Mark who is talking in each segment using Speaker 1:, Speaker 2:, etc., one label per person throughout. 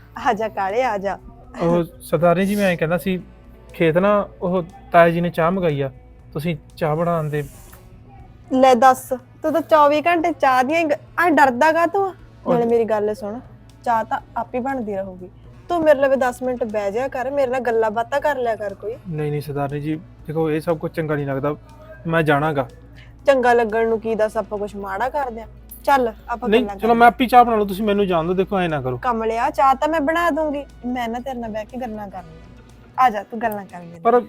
Speaker 1: ਆ ਜਾ ਕਾਲੇ ਆ ਜਾ।
Speaker 2: ਉਹ ਸਰਦਾਰਨੀ ਜੀ ਮੈਂ ਐਂ ਕਹਿੰਦਾ ਸੀ ਖੇਤ ਨਾ ਉਹ ਤਾਇਆ ਜੀ ਨੇ ਚਾਹ ਮੰਗਾਈ ਆ, ਤੁਸੀਂ ਚਾਹ ਬਣਾਉਣ ਦੇ।
Speaker 1: ਲੈ ਦੱਸ, ਤੂੰ ਤਾਂ 24 ਘੰਟੇ ਚਾਹ ਦੀਆਂ ਆ ਡਰਦਾ ਕਾ ਤੂੰ? ਨਾਲੇ ਮੇਰੀ ਗੱਲ ਸੁਣ, ਚਾਹ ਤਾਂ ਆਪੇ ਬਣਦੀ ਰਹੂਗੀ। ਤੂੰ ਮੇਰੇ ਲਈ 10 ਮਿੰਟ ਬਹਿ ਜਾ ਕਰ, ਮੇਰੇ ਨਾਲ ਗੱਲਾਂ ਬਾਤਾਂ ਕਰ ਲਿਆ ਕਰ ਕੋਈ।
Speaker 2: ਨਹੀਂ ਸਰਦਾਰਨੀ ਜੀ ਦੇਖੋ ਇਹ ਸਭ ਕੁਝ ਚੰਗਾ ਨਹੀਂ ਲੱਗਦਾ, ਮੈਂ ਜਾਣਾਗਾ।
Speaker 1: ਚੰਗਾ ਲੱਗਣ ਨੂੰ ਕੀ ਦੱਸ, ਆਪਾਂ ਕੁਝ ਮਾੜਾ ਕਰਦੇ ਆ? ਚੱਲ ਆਪਾਂ
Speaker 2: ਨਹੀਂ
Speaker 1: ਗੱਲਾਂ
Speaker 2: ਚਲੋ ਮੈਂ ਆਪੀ ਚਾਹ ਬਣਾ ਲੂ, ਤੁਸੀਂ ਮੈਨੂੰ ਜਾਣ ਦਿਓ। ਦੇਖੋ ਐ ਨਾ ਕਰੋ।
Speaker 1: ਕਮਲਿਆ, ਚਾਹ ਤਾਂ ਮੈਂ ਬਣਾ ਦੂੰਗੀ, ਮੈਂ ਨਾ ਤੇਰੇ ਨਾਲ ਬਹਿ ਕੇ ਗੱਲਾਂ ਕਰਨੀਆਂ। ਆ ਜਾ ਤੂੰ ਗੱਲਾਂ ਕਰ ਲੈ।
Speaker 2: ਪਰ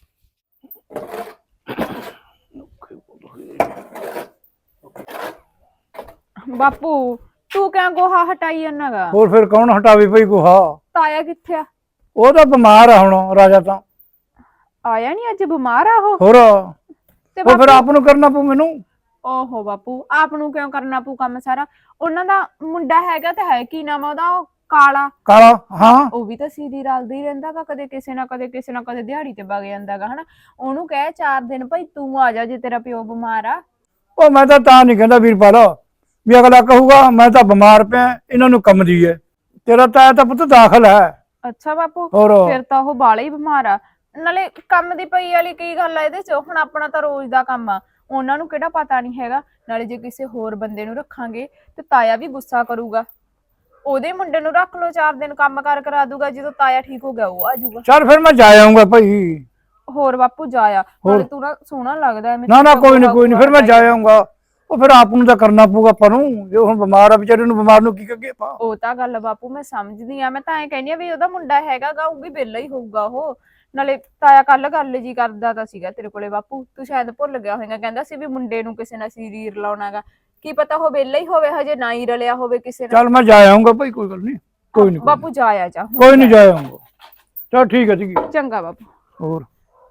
Speaker 3: ਬਾਪੂ ਤੂੰ ਕਿਉਂ ਗੋਹਾ ਹਟਾਈ ਜਾਂਦਾਗਾ?
Speaker 4: ਹੋਰ ਫਿਰ ਕੌਣ ਹਟਾਵੇ ਭਈ ਗੋਹਾ?
Speaker 3: ਤਾਇਆ ਕਿੱਥੇ ਆ?
Speaker 4: ਉਹ ਤਾਂ ਬਿਮਾਰ ਆ ਹੁਣ, ਰਾਜਾ ਤਾਂ।
Speaker 3: ਆਇਆ ਨਹੀਂ ਅੱਜ? ਬਿਮਾਰ ਆ ਉਹ?
Speaker 4: ਹੋਰ
Speaker 3: ਤੇ
Speaker 4: ਉਹ ਫਿਰ ਆਪ ਨੂੰ ਕਰਨਾ ਪਊ ਮੈਨੂੰ।
Speaker 3: ਓਹੋ ਬਾਪੂ, ਆਪ ਨੂੰ ਕਿਉਂ ਕਰਨਾ ਪਊ ਕੰਮ ਸਾਰਾ? ਉਹਨਾਂ ਦਾ ਮੁੰਡਾ ਹੈਗਾ ਤੇ ਹੈ, ਕੀ ਨਾਮ ਆ ਉਹਦਾ? ਉਹ ਕਾਲਾ।
Speaker 4: ਕਾਲਾ? ਹਾਂ।
Speaker 3: ਉਹ ਵੀ ਤਾਂ ਸੀधी ਰਲਦਾ ਹੀ ਰਹਿੰਦਾਗਾ, ਕਦੇ ਕਿਸੇ ਨਾ ਕਦੇ ਕਿਸੇ ਨਾ ਕਦੇ ਦਿਹਾੜੀ ਤੇ ਵਗ ਜਾਂਦਾਗਾ ਹਨਾ। ਉਹਨੂੰ ਕਹਿ 4 ਦਿਨ ਭਾਈ ਤੂੰ ਆ ਜਾ ਜੇ ਤੇਰਾ ਪਿਓ ਬਿਮਾਰ ਆ।
Speaker 4: ਉਹ ਮੈਂ ਤਾਂ ਨਹੀਂ ਕਹਿੰਦਾ ਵੀਰਪਾਲ ਵੀ ਅਗਲਾ ਕਹੂਗਾ ਮੈਂ ਤਾਂ ਬਿਮਾਰ ਪਿਆ, ਇਹਨਾਂ ਨੂੰ ਕੰਮ ਦੀ ਹੈ। ਤੇਰਾ ਤਾਇਆ ਤਾਂ ਪੁੱਤ ਦਾਖਲ ਹੈ।
Speaker 3: ਅੱਛਾ ਬਾਪੂ,
Speaker 4: ਹੋਰ
Speaker 3: ਫਿਰ ਤਾਂ ਉਹ ਬਾਲਾ ਹੀ ਬਿਮਾਰ ਆ। ਨਾਲੇ ਕੰਮ ਦੀ ਪਈ ਵਾਲੀ ਕੀ ਗੱਲ ਆ ਇਹਦੇ ਚ? ਹੁਣ ਆਪਣਾ ਤਾਂ ਰੋਜ਼ ਦਾ ਕੰਮ ਆ, ਉਹਨਾਂ ਨੂੰ ਕਿਹੜਾ ਪਤਾ ਨਹੀਂ ਹੈਗਾ। ਨਾਲੇ ਜੇ ਕਿਸੇ ਹੋਰ ਬੰਦੇ ਨੂੰ ਰੱਖਾਂਗੇ ਤੇ ਤਾਇਆ ਵੀ ਗੁੱਸਾ ਕਰੂਗਾ। ਉਹਦੇ ਮੁੰਡੇ ਨੂੰ ਰੱਖ ਲੋ, 4 ਦਿਨ ਕੰਮ ਕਾਰ ਕਰਾ ਦੂਗਾ, ਜਦੋਂ ਤਾਇਆ ਠੀਕ ਹੋ ਗਿਆ ਉਹ ਆ ਜਾਊਗਾ।
Speaker 4: ਚੱਲ ਫਿਰ ਮੈਂ ਜਾ ਆਉਂਗਾ ਭਾਈ।
Speaker 3: ਹੋਰ ਬਾਪੂ ਜਾਇਆ, ਨਾਲੇ ਤੂੰ ਨਾ ਸੋਹਣਾ ਲੱਗਦਾ ਐਵੇਂ।
Speaker 4: ਨਾ ਕੋਈ ਨਹੀਂ ਫਿਰ ਮੈਂ ਜਾ ਆਉਂਗਾ। ਉਹ ਫਿਰ ਆਪ ਨੂੰ ਤਾਂ ਕਰਨਾ ਪਊਗਾ ਆਪਾਂ ਨੂੰ, ਜੇ ਹੁਣ ਬਿਮਾਰ ਆ ਵਿਚਾਰੇ ਨੂੰ, ਬਿਮਾਰ ਨੂੰ ਕੀ ਕਰੀਏ ਆਪਾਂ।
Speaker 3: ਉਹ ਤਾਂ ਗੱਲ ਬਾਪੂ ਮੈਂ ਸਮਝਦੀ ਆ, ਮੈਂ ਤਾਂ ਐਂ ਕਹਿੰਦੀ ਆ ਵੀ ਉਹਦਾ ਮੁੰਡਾ ਹੈਗਾ ਉਹ ਵੀ ਵਿਹਲਾ ਹੀ ਹੋਊਗਾ ਉਹ। ਨਾਲੇ ਤਾਇਆ ਕੱਲ ਗੱਲ ਜੀ ਕਰਦਾ ਤਾਂ ਸੀਗਾ ਤੇਰੇ ਕੋਲੇ ਬਾਪੂ, ਤੂੰ ਸ਼ਾਇਦ ਭੁੱਲ ਗਿਆ ਹੋਵੇਂਗਾ। ਕਹਿੰਦਾ ਸੀ ਵੀ ਮੁੰਡੇ ਨੂੰ ਕਿਸੇ ਨਾਲ ਸੀਰੀਰ ਲਾਉਣਾਗਾ, ਕੀ ਪਤਾ ਉਹ ਵਿਹਲਾ ਹੀ ਹੋਵੇ, ਹਜੇ ਨਾ ਹੀ ਰਲਿਆ ਹੋਵੇ ਕਿਸੇ ਨਾਲ।
Speaker 4: ਚੱਲ ਮੈਂ ਜਾ ਆਉਂਗਾ ਭਾਈ, ਕੋਈ ਗੱਲ ਨਹੀਂ। ਕੋਈ ਨਹੀਂ
Speaker 3: ਬਾਪੂ ਜਾਇਆ ਜਾ,
Speaker 4: ਕੋਈ ਨਹੀਂ ਜਾ ਆਉਂਗਾ। ਚੱਲ ਠੀਕ ਹੈ ਜੀ।
Speaker 3: ਚੰਗਾ ਬਾਪੂ।
Speaker 4: ਹੋਰ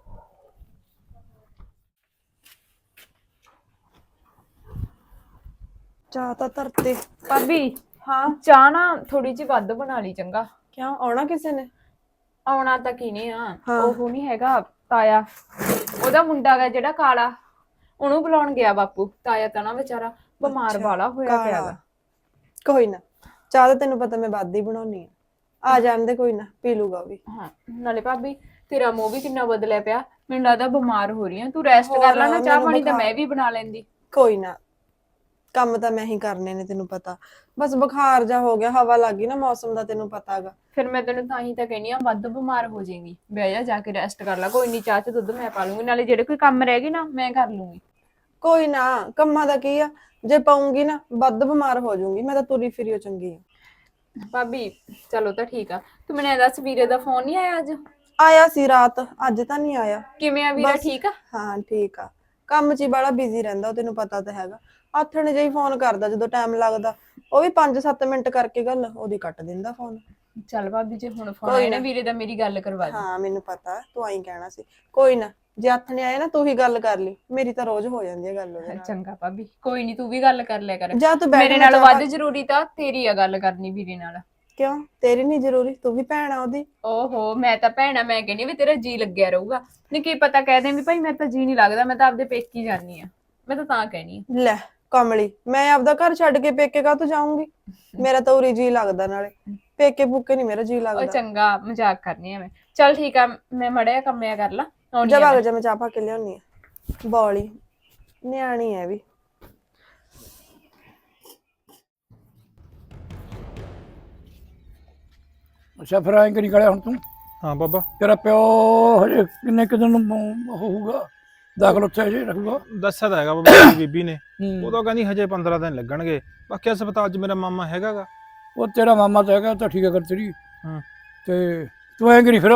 Speaker 1: ਚਾਹ ਤਾਂ ਧਰਤੇ।
Speaker 3: ਭਾਬੀ
Speaker 1: ਹਾਂ
Speaker 3: ਚਾਹ ਨਾ ਥੋੜੀ ਜਿਹੀ ਵੱਧ ਬਣਾ ਲਈ ਚੰਗਾ।
Speaker 1: ਕਿਉਂ ਆਉਣਾ ਕਿਸੇ ਨੇ?
Speaker 3: ਆਉਣਾ ਤਾਂ ਕੀ ਨਹੀਂ ਆ,
Speaker 1: ਹਾਂ।
Speaker 3: ਉਹ ਨਹੀਂ ਹੈਗਾ ਤਾਇਆ, ਉਹਦਾ ਮੁੰਡਾ ਗਾ ਜਿਹੜਾ ਕਾਲਾ, ਉਹਨੂੰ ਬੁਲਾਉਣ ਗਿਆ ਬਾਪੂ। ਤਾਇਆ ਤਾਂ ਨਾ ਵਿਚਾਰਾ ਬਿਮਾਰ ਵਾਲਾ ਹੋਇਆ ਪਿਆਗਾ।
Speaker 1: ਕੋਈ ਨਾ, ਚਾਹ ਤਾਂ ਤੈਨੂੰ ਪਤਾ ਮੈਂ ਵੱਧ ਹੀ ਬਣਾਉਣੀ ਆ ਜਾਣ ਦੇ, ਕੋਈ ਨਾ ਪੀ ਲੂਗਾ ਵੀ।
Speaker 3: ਹਾਂ ਨਾਲੇ ਭਾਬੀ ਤੇਰਾ ਮੂੰਹ ਵੀ ਕਿੰਨਾ ਬਦਲਿਆ ਪਿਆ, ਮੈਨੂੰ ਲੱਗਦਾ ਬਿਮਾਰ ਹੋ ਰਹੀ ਆ। ਤੂੰ ਰੈਸਟ ਕਰ ਲੈ ਨਾ, ਚਾਹ ਪਾਣੀ ਤਾਂ ਮੈਂ ਵੀ ਬਣਾ ਲੈਂਦੀ।
Speaker 1: ਕੋਈ ਨਾ, ਕੰਮ ਤਾਂ ਮੈਂ ਹੀ ਕਰਨੇ ਨੇ, ਤੈਨੂੰ ਪਤਾ। ਬਸ ਬੁਖਾਰ ਜਾ ਹੋ ਗਿਆ, ਹਵਾ ਲੱਗ ਗਈ ਨਾ ਮੌਸਮ ਦਾ, ਤੈਨੂੰ ਪਤਾਗਾ।
Speaker 3: ਫਿਰ ਮੈਂ ਤੈਨੂੰ ਤਾਂ ਹੀ ਤਾਂ ਕਹਿੰਦੀ ਆ ਵੱਧ ਬਿਮਾਰ ਹੋ ਜਾਏਗੀ। ਬਹਿ ਜਾ ਕੇ ਰੈਸਟ ਕਰ ਲੈ, ਕੋਈ ਨਹੀਂ ਚਾਹ ਚ ਦੁੱਧ ਮੈਂ ਪਾ ਲੂੰਗੀ, ਨਾਲੇ ਜਿਹੜੇ ਕੋਈ ਕੰਮ ਰਹਿ ਗਏ ਨਾ ਮੈਂ ਕਰ ਲੂੰਗੀ।
Speaker 1: ਕੋਈ ਨਾ, ਕੰਮਾਂ ਦਾ ਕੀ ਆ, ਜੇ ਪਾਉਂਗੀ ਨਾ ਵੱਧ ਬਿਮਾਰ ਹੋ ਜਾਊਂਗੀ। ਮੈਂ ਤਾਂ ਤੁਰੀ ਫਿਰੀ ਚੰਗੀ ਆ।
Speaker 3: ਭਾਬੀ ਚਲੋ ਤਾਂ ਠੀਕ ਆ। ਤੂੰ ਮੈਨੂੰ ਇਹ ਦੱਸ, ਵੀਰੇ ਦਾ ਫੋਨ ਨਹੀਂ ਆਇਆ ਅੱਜ?
Speaker 1: ਆਇਆ ਸੀ ਰਾਤ, ਅੱਜ ਤਾਂ ਨਹੀਂ ਆਇਆ।
Speaker 3: ਕਿਵੇਂ ਆ ਵੀਰਾ, ਠੀਕ ਆ?
Speaker 1: ਹਾਂ ਠੀਕ ਆ, ਕੰਮ 'ਚ ਹੀ ਬੜਾ ਬਿਜ਼ੀ ਰਹਿੰਦਾ, ਤੈਨੂੰ ਪਤਾ ਤਾਂ ਹੈਗਾ। ਆਥਣੇ ਜਿਹੀ ਫੋਨ ਕਰਦਾ ਜਦੋਂ ਟਾਈਮ ਲੱਗਦਾ, ਉਹ ਵੀ 5-7 ਮਿੰਟ ਕਰਕੇ ਗੱਲ ਉਹਦੀ ਕੱਟ ਦਿੰਦਾ ਫੋਨ।
Speaker 3: ਚੱਲ ਭਾਬੀ ਜੇ ਹੁਣ ਫੋਨ ਆਇਆ ਨਾ ਵੀਰੇ ਦਾ, ਮੇਰੀ ਗੱਲ ਕਰਵਾ ਦੇ।
Speaker 1: ਹਾਂ ਮੈਨੂੰ ਪਤਾ, ਤੂੰ ਆਈ ਕਹਿਣਾ ਸੀ। ਕੋਈ ਨਾ, ਜੇ ਆਥਣੇ ਆਏ ਨਾ ਤੂੰ ਹੀ ਗੱਲ ਕਰ ਲਈ, ਮੇਰੀ ਤਾਂ ਰੋਜ਼ ਹੋ ਜਾਂਦੀ ਹੈ ਗੱਲ ਉਹਦੇ ਨਾਲ।
Speaker 3: ਚੰਗਾ ਭਾਬੀ, ਕੋਈ ਨਹੀਂ ਤੂੰ ਵੀ ਗੱਲ ਕਰ ਲਿਆ ਕਰ।
Speaker 1: ਜਾ ਤੂੰ ਬੈਠ।
Speaker 3: ਮੇਰੇ ਨਾਲ ਵੱਧ ਜ਼ਰੂਰੀ ਤਾਂ ਤੇਰੀ ਆ ਗੱਲ ਕਰਨੀ ਵੀਰੇ ਨਾਲ।
Speaker 1: ਕਿਉਂ ਤੇਰੀ ਨਹੀਂ ਜ਼ਰੂਰੀ? ਤੂੰ ਵੀ ਭੈਣ ਆ ਉਹਦੀ।
Speaker 3: ਓਹੋ ਮੈਂ ਤਾਂ ਭੈਣਾ, ਮੈਂ ਕਹਿੰਦੀ ਵੀ ਤੇਰਾ ਜੀ ਲੱਗਿਆ ਰਹੂਗਾ। ਨਹੀਂ ਕੀ ਪਤਾ ਕਹਿ ਦੇ ਵੀ ਭਾਈ ਮੇਰਾ ਤਾਂ ਜੀ ਨਹੀਂ ਲੱਗਦਾ, ਮੈਂ ਤਾਂ ਆਪਦੇ ਪੇਕੀ ਜਾਨੀ ਆ। ਮੈਂ ਤਾਂ ਕਹਿਣੀ ਆ।
Speaker 1: ਲੈ ਕਮਲੀ, ਮੈਂ ਆਪਦਾ ਘਰ ਛੱਡ ਕੇ ਪੇਕੇ ਕਾਹਤੋਂ ਜਾਊਂਗੀ? ਮੇਰਾ ਤਾਂ ਉਰੀ ਜੀ ਲੱਗਦਾ, ਨਾਲੇ ਪੇਕੇ ਭੁੱਕੇ ਨਹੀਂ ਮੇਰਾ ਜੀ
Speaker 3: ਉਹ
Speaker 1: ਲੱਗਦਾ।
Speaker 3: ਚੰਗਾ ਮਜ਼ਾਕ ਕਰਨੀ ਆ ਮੈਂ। ਚੱਲ ਠੀਕ ਆ, ਮੈਂ ਮੜਿਆ ਕੰਮਿਆ ਕਰ ਲਾ।
Speaker 1: ਜਾ ਭਾਗ ਜਾ, ਮੈਂ ਚਾਹ ਪਾ ਕੇ ਲਿਆਉਣੀ ਆ। ਬੌਲੀ ਨਿਆਣੀ ਐ ਵੀ।
Speaker 4: ਅੱਛਾ ਫਿਰ ਐਂ ਕਰੀ ਗਲਿਆ ਹੁਣ ਤੂੰ?
Speaker 2: ਹਾਂ ਬਾਬਾ।
Speaker 4: ਤੇਰਾ ਪਿਓ ਹਜੇ ਕਿੰਨੇ ਕੁ ਦਿਨ ਹੋਊਗਾ ਦਾਖਲ ਉੱਥੇ ਹਜੇ ਰੱਖੂਗਾ?
Speaker 2: ਦੱਸਿਆ ਤਾਂ ਹੈਗਾ ਬਾਬਾ ਜੀ ਬੀਬੀ ਨੇ, ਉਹ ਤਾਂ ਕਹਿੰਦੀ ਹਜੇ 15 ਦਿਨ ਲੱਗਣਗੇ। ਬਾਕੀ ਹਸਪਤਾਲ 'ਚ ਮੇਰਾ ਮਾਮਾ ਹੈਗਾਗਾ।
Speaker 4: ਉਹ ਤੇਰਾ ਮਾਮਾ ਤਾਂ ਹੈਗਾ, ਤਾਂ ਠੀਕ ਹੈ ਕਰ ਤੇਰੀ।
Speaker 2: ਹਾਂ
Speaker 4: ਤੇ ਤੂੰ ਐਂ ਕਰੀ ਫਿਰ,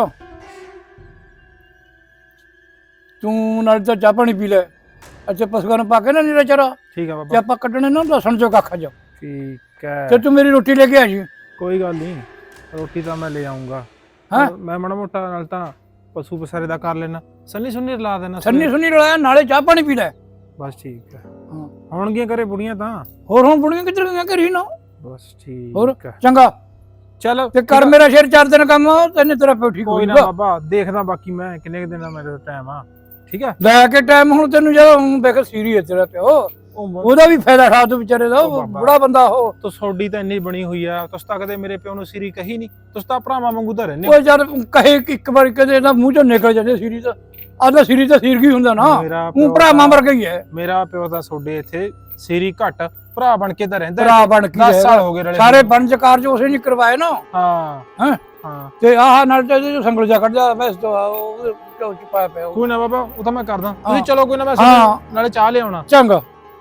Speaker 4: ਤੂੰ ਨਾਲ ਤਾਂ ਚਾਹ ਪਾਣੀ ਪੀ ਲੈ। ਅੱਛਾ ਪਸ਼ੂਆਂ ਨੂੰ ਪਾ ਕੇ ਨਾ ਨੀਰਾ ਚਾਰਾ,
Speaker 2: ਠੀਕ ਆ
Speaker 4: ਤੇ
Speaker 2: ਬਾਬਾ।
Speaker 4: ਆਪਾਂ ਕੱਢਣੇ ਨਾ ਲਸਣ ਚੋਂ ਕੱਖ ਜਾ।
Speaker 2: ਠੀਕ ਹੈ,
Speaker 4: ਤੇ ਤੂੰ ਮੇਰੀ ਰੋਟੀ ਲੈ ਕੇ ਆ ਜੀ।
Speaker 2: ਕੋਈ ਗੱਲ ਨਹੀਂ, ਰੋਟੀ ਤਾਂ ਮੈਂ ਲੈ ਆਉਂਗਾ।
Speaker 4: ਹਾਂ
Speaker 2: ਮੈਂ ਮਾੜਾ ਮੋਟਾ ਨਾਲ ਤਾਂ ਪਸ਼ੂ ਪਸਾਰੇ ਦਾ ਕਰ ਲੈਣਾ, ਸੰਨੀ ਸੁੰਨੀ ਲਾ ਦੇਣਾ।
Speaker 4: ਸੰਨੀ ਸੁੰਨੀ ਰਲਾਇਆ, ਨਾਲੇ ਚਾਹ ਪਾਣੀ ਪੀ ਲੈ।
Speaker 2: ਬਸ ਠੀਕ ਹੈ।
Speaker 4: ਹਾਂ
Speaker 2: ਆਉਣਗੀਆਂ ਘਰੇ ਬੁੜੀਆਂ ਤਾਂ?
Speaker 4: ਹੋਰ ਹੁਣ ਬੁੜੀਆਂ ਕਿੱਧਰ ਗਈਆਂ ਘਰੀ ਨਾ।
Speaker 2: ਬਸ ਠੀਕ
Speaker 4: ਹੋਰ
Speaker 2: ਹੈ,
Speaker 4: ਚੰਗਾ।
Speaker 2: ਚਲ
Speaker 4: ਤੇ ਕਰ ਮੇਰਾ ਸ਼ੇਰ 4 ਦਿਨ ਕੰਮ, ਤੈਨੂੰ ਤੇਰਾ ਪਿਓ ਠੀਕ
Speaker 2: ਕੋਈ ਨਾ
Speaker 4: ਹੋਊਗਾ।
Speaker 2: ਬਾਬਾ, ਦੇਖਦਾ ਬਾਕੀ ਮੈਂ ਕਿੰਨੇ ਕੁ ਦਿਨ ਦਾ ਮੇਰੇ ਟਾਈਮ ਆ। ਠੀਕ ਹੈ
Speaker 4: ਲੈ ਕੇ ਟਾਈਮ ਹੁਣ ਤੈਨੂੰ ਜਦੋਂ ਹੁਣ ਦੇਖ ਸੀਰੀਅਸ ਤੇਰਾ ਪਿਓ, ਉਹਦਾ ਵੀ ਫਾਇਦਾ ਖਾ ਤੂੰ ਵਿਚਾਰੇ ਦਾ,
Speaker 2: ਉਹ
Speaker 4: ਉਹ
Speaker 2: ਬਾਬਾ।
Speaker 4: ਬੁੜਾ ਬੰਦਾ ਉਹ।
Speaker 2: ਤੂੰ ਸੋਡੀ ਤਾਂ ਇੰਨੀ ਬਣੀ ਹੋਈ ਆ, ਤੁਸੀਂ ਤਾਂ ਕਦੇ ਮੇਰੇ ਪਿਓ ਨੂੰ ਸਿਰੀ ਕਹੀ ਨਹੀਂ, ਤੁਸੀਂ ਤਾਂ ਭਰਾਵਾਂ ਵਾਂਗੂ ਤਾਂ ਰਹਿੰਦੇ
Speaker 4: ਉਹ ਯਾਰ ਕਹੇ ਇੱਕ ਵਾਰ ਕਦੇ ਇਹਦਾ ਮੂੰਹ ਚੋਂ ਨਿਕਲ ਜਾਂਦੇ ਸਿਰੀ ਤਾਂ, ਆਦਾ ਸਿਰੀ ਤਾਂ ਸਿਰ ਕੀ ਹੁੰਦਾ ਨਾ,
Speaker 2: ਮੇਰਾ
Speaker 4: ਉਹ ਭਰਾਵਾਂ ਵਰਗਾ ਹੀ ਹੈ।
Speaker 2: ਮੇਰਾ ਪਿਓ ਤਾਂ ਸੋਡੇ ਇੱਥੇ ਸਿਰੀ ਘੱਟ ਭਰਾ ਬਣ ਕੇ ਤਾਂ ਰਹਿੰਦਾ
Speaker 4: ਭਰਾ ਬਣ ਕੇ
Speaker 2: 10 ਸਾਲ ਹੋ ਗਏ ਰਲੇ
Speaker 4: ਸਾਰੇ ਵਣਜ ਕਾਰਜ ਉਸੇ ਨਹੀਂ ਕਰਵਾਏ ਨਾ।
Speaker 2: ਹਾਂ
Speaker 4: ਹੈਂ?
Speaker 2: ਹਾਂ
Speaker 4: ਤੇ ਆਹ ਨਾਲ ਤੇ ਜੋ ਸੰਗਲ ਜਾ ਕੱਢ ਜਾ ਬਸ ਤੋਂ ਉਹ ਚੋਚ ਪਾਇਆ ਪਿਆ ਉਹ।
Speaker 2: ਕੋਈ ਨਾ ਬਾਬਾ, ਉਹ ਤਾਂ ਮੈਂ ਕਰਦਾ, ਤੁਸੀਂ
Speaker 4: ਹਾਂ।
Speaker 2: ਚਲੋ ਕੋਈ ਨਾ, ਮੈਂ
Speaker 4: ਹਾਂ।
Speaker 2: ਨਾਲੇ ਚਾਹ ਲਿਆਉਣਾ।
Speaker 4: ਚੰਗਾ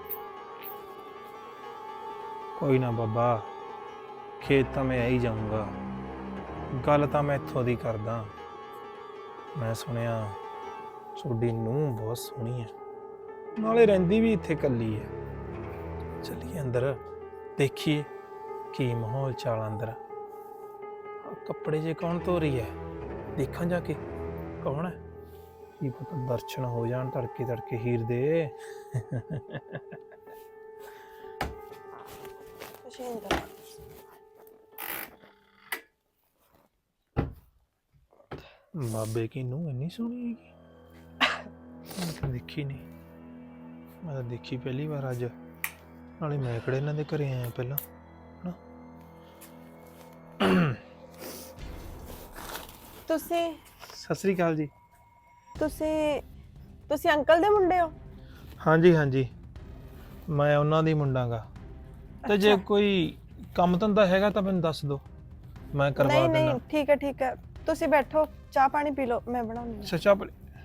Speaker 2: ਕੋਈ ਨਾ ਬਾਬਾ, ਖੇਤ ਤਾਂ ਮੈਂ ਆ ਹੀ ਜਾਊਂਗਾ, ਗੱਲ ਤਾਂ ਮੈਂ ਇੱਥੋਂ ਦੀ ਕਰਦਾ। ਮੈਂ ਸੁਣਿਆ ਤੁਹਾਡੀ ਨੂੰਹ ਬਹੁਤ ਸੋਹਣੀ ਹੈ, ਨਾਲੇ ਰਹਿੰਦੀ ਵੀ ਇੱਥੇ ਇਕੱਲੀ ਹੈ। ਚੱਲੀਏ ਅੰਦਰ, ਦੇਖੀਏ ਕੀ ਮਾਹੌਲ ਚਾਲ ਅੰਦਰ। ਆਹ ਕੱਪੜੇ ਜੇ ਕੌਣ ਧੋ ਰਹੀ ਹੈ, ਦੇਖਾਂ ਜਾ ਕੇ ਕੌਣ ਹੈ। ਕੀ ਪਤਾ ਦਰਸ਼ਨ ਹੋ ਜਾਣ ਤੜਕੇ ਤੜਕੇ ਹੀਰ ਦੇ। ਬਾਬੇ ਕੀ ਨੂੰਹ ਇੰਨੀ ਸੋਹਣੀ ਹੈਗੀ, ਮੈਂ ਤਾਂ ਦੇਖੀ ਨਹੀਂ। ਮੈਂ ਤਾਂ ਦੇਖੀ ਪਹਿਲੀ ਵਾਰ ਅੱਜ, ਨਾਲੇ ਮੈਂ ਕਿਹੜੇ ਇਹਨਾਂ ਦੇ ਘਰੇ ਆਇਆ ਪਹਿਲਾਂ ਹਨਾ।
Speaker 1: ਤੁਸੀਂ
Speaker 2: ਸਤਿ ਸ੍ਰੀ ਅਕਾਲ ਜੀ।
Speaker 1: ਤੁਸੀਂ ਅੰਕਲ ਦੇ ਮੁੰਡੇ ਹੋ?
Speaker 2: ਹਾਂਜੀ ਹਾਂਜੀ, ਮੈਂ ਉਹਨਾਂ ਦੀ ਮੁੰਡਾ ਗਾ। ਤੇ ਜੇ
Speaker 1: ਅੱਛਾ।
Speaker 2: ਕੋਈ ਕੰਮ ਧੰਦਾ ਹੈਗਾ ਤਾਂ ਮੈਨੂੰ ਦੱਸ ਦਿਓ, ਮੈਂ ਕਰਵਾ
Speaker 1: ਨਹੀਂ
Speaker 2: ਦਿੰਦਾ।
Speaker 1: ਨਹੀਂ, ਠੀਕ ਹੈ ਠੀਕ ਹੈ, ਤੁਸੀਂ ਬੈਠੋ, ਚਾਹ ਪਾਣੀ ਪੀ ਲਓ, ਮੈਂ ਬਣਾਉਂਦੀ ਹਾਂ।
Speaker 2: ਸੱਚਾ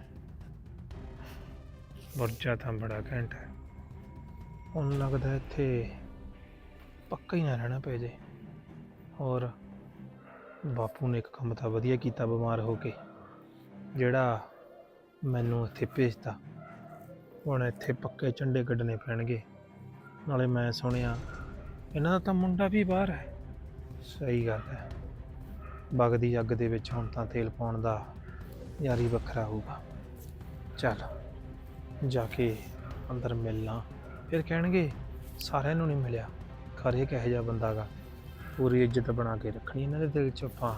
Speaker 2: ਵਰਜਾ ਤਾਂ ਬੜਾ ਘੈਂਟ ਹੈ, ਹੁਣ ਲੱਗਦਾ ਇੱਥੇ ਪੱਕਾ ਹੀ ਨਾ ਰਹਿਣਾ ਪੈ ਜੇ। ਹੋਰ ਬਾਪੂ ਨੇ ਇੱਕ ਕੰਮ ਤਾਂ ਵਧੀਆ ਕੀਤਾ ਬਿਮਾਰ ਹੋ ਕੇ, ਜਿਹੜਾ ਮੈਨੂੰ ਇੱਥੇ ਭੇਜਤਾ। ਹੁਣ ਇੱਥੇ ਪੱਕੇ ਝੰਡੇ ਕੱਢਣੇ ਪੈਣਗੇ। ਨਾਲੇ ਮੈਂ ਸੁਣਿਆ ਇਹਨਾਂ ਦਾ ਤਾਂ ਮੁੰਡਾ ਵੀ ਬਾਹਰ ਹੈ। ਸਹੀ ਗੱਲ ਹੈ, ਵਗਦੀ ਅੱਗ ਦੇ ਵਿੱਚ ਹੁਣ ਤਾਂ ਤੇਲ ਪਾਉਣ ਦਾ ਯਾਰੀ ਵੱਖਰਾ ਹੋਊਗਾ। ਚੱਲ ਜਾ ਕੇ ਅੰਦਰ ਮਿਲਣਾ, ਫਿਰ ਕਹਿਣਗੇ ਸਾਰਿਆਂ ਨੂੰ ਨਹੀਂ ਮਿਲਿਆ, ਖਰੇ ਕਿਹੋ ਜਿਹਾ ਬੰਦਾ ਗਾ। ਪੂਰੀ ਇੱਜ਼ਤ ਬਣਾ ਕੇ ਰੱਖਣੀ ਇਹਨਾਂ ਦੇ ਦਿਲ 'ਚ ਆਪਾਂ।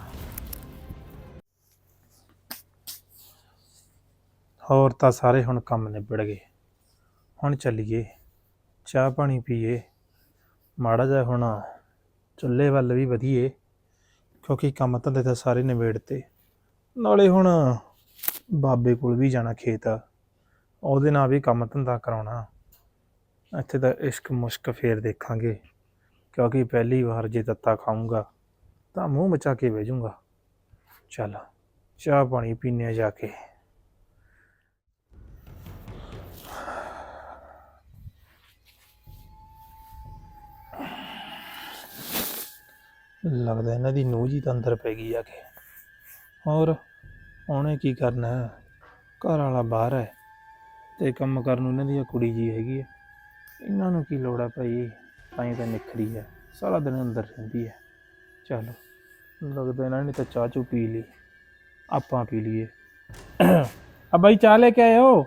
Speaker 2: ਹੋਰ ਤਾਂ ਸਾਰੇ ਹੁਣ ਕੰਮ ਨਿਬੜ ਗਏ, ਹੁਣ ਚੱਲੀਏ ਚਾਹ ਪਾਣੀ ਪੀਏ, ਮਾੜਾ ਜਿਹਾ ਹੁਣ ਚੁੱਲ੍ਹੇ ਵੱਲ ਵੀ ਵਧੀਏ, ਕਿਉਂਕਿ ਕੰਮ ਧੰਦੇ ਤਾਂ ਸਾਰੇ ਨਿਬੇੜਤੇ। ਨਾਲੇ ਹੁਣ ਬਾਬੇ ਕੋਲ ਵੀ ਜਾਣਾ ਖੇਤ, ਉਹਦੇ ਨਾਲ ਵੀ ਕੰਮ ਧੰਦਾ ਕਰਾਉਣਾ। ਇੱਥੇ ਤਾਂ ਇਸ਼ਕ ਮੁਸ਼ਕ ਫੇਰ ਦੇਖਾਂਗੇ, ਕਿਉਂਕਿ ਪਹਿਲੀ ਵਾਰ ਜੇ ਤੱਤਾ ਖਾਊਂਗਾ ਤਾਂ ਮੂੰਹ ਮਚਾ ਕੇ ਬਹਿ ਜਾਊਂਗਾ। ਚੱਲ ਚਾਹ ਪਾਣੀ ਪੀਨੇ ਆ ਜਾ ਕੇ। ਲੱਗਦਾ ਇਹਨਾਂ ਦੀ ਨੂੰਹ ਜੀ ਤਾਂ ਅੰਦਰ ਪੈ ਗਈ ਆ ਕੇ। ਹੋਰ ਉਹਨੇ ਕੀ ਕਰਨਾ, ਘਰ ਵਾਲਾ ਬਾਹਰ ਹੈ ਤੇ ਕੰਮ ਕਰਨ ਨੂੰ ਇਹਨਾਂ ਦੀ ਕੁੜੀ ਜੀ ਹੈਗੀ ਹੈ। ਇਹਨਾਂ ਨੂੰ ਕੀ ਲੋੜ ਆ ਭਾਈ, ਤਾਂ ਹੀ ਤਾਂ ਨਿਖਰੀ ਹੈ, ਸਾਰਾ ਦਿਨ ਅੰਦਰ ਰਹਿੰਦੀ ਹੈ। ਚਲੋ ਲੱਗਦਾ ਇਹਨਾਂ ਨੇ ਤਾਂ ਚਾਹ ਚੂ ਪੀ ਲਈ, ਆਪਾਂ ਪੀ ਲਈਏ। ਆ ਬਾਈ ਚਾਹ ਲੈ ਕੇ ਆਇਓ।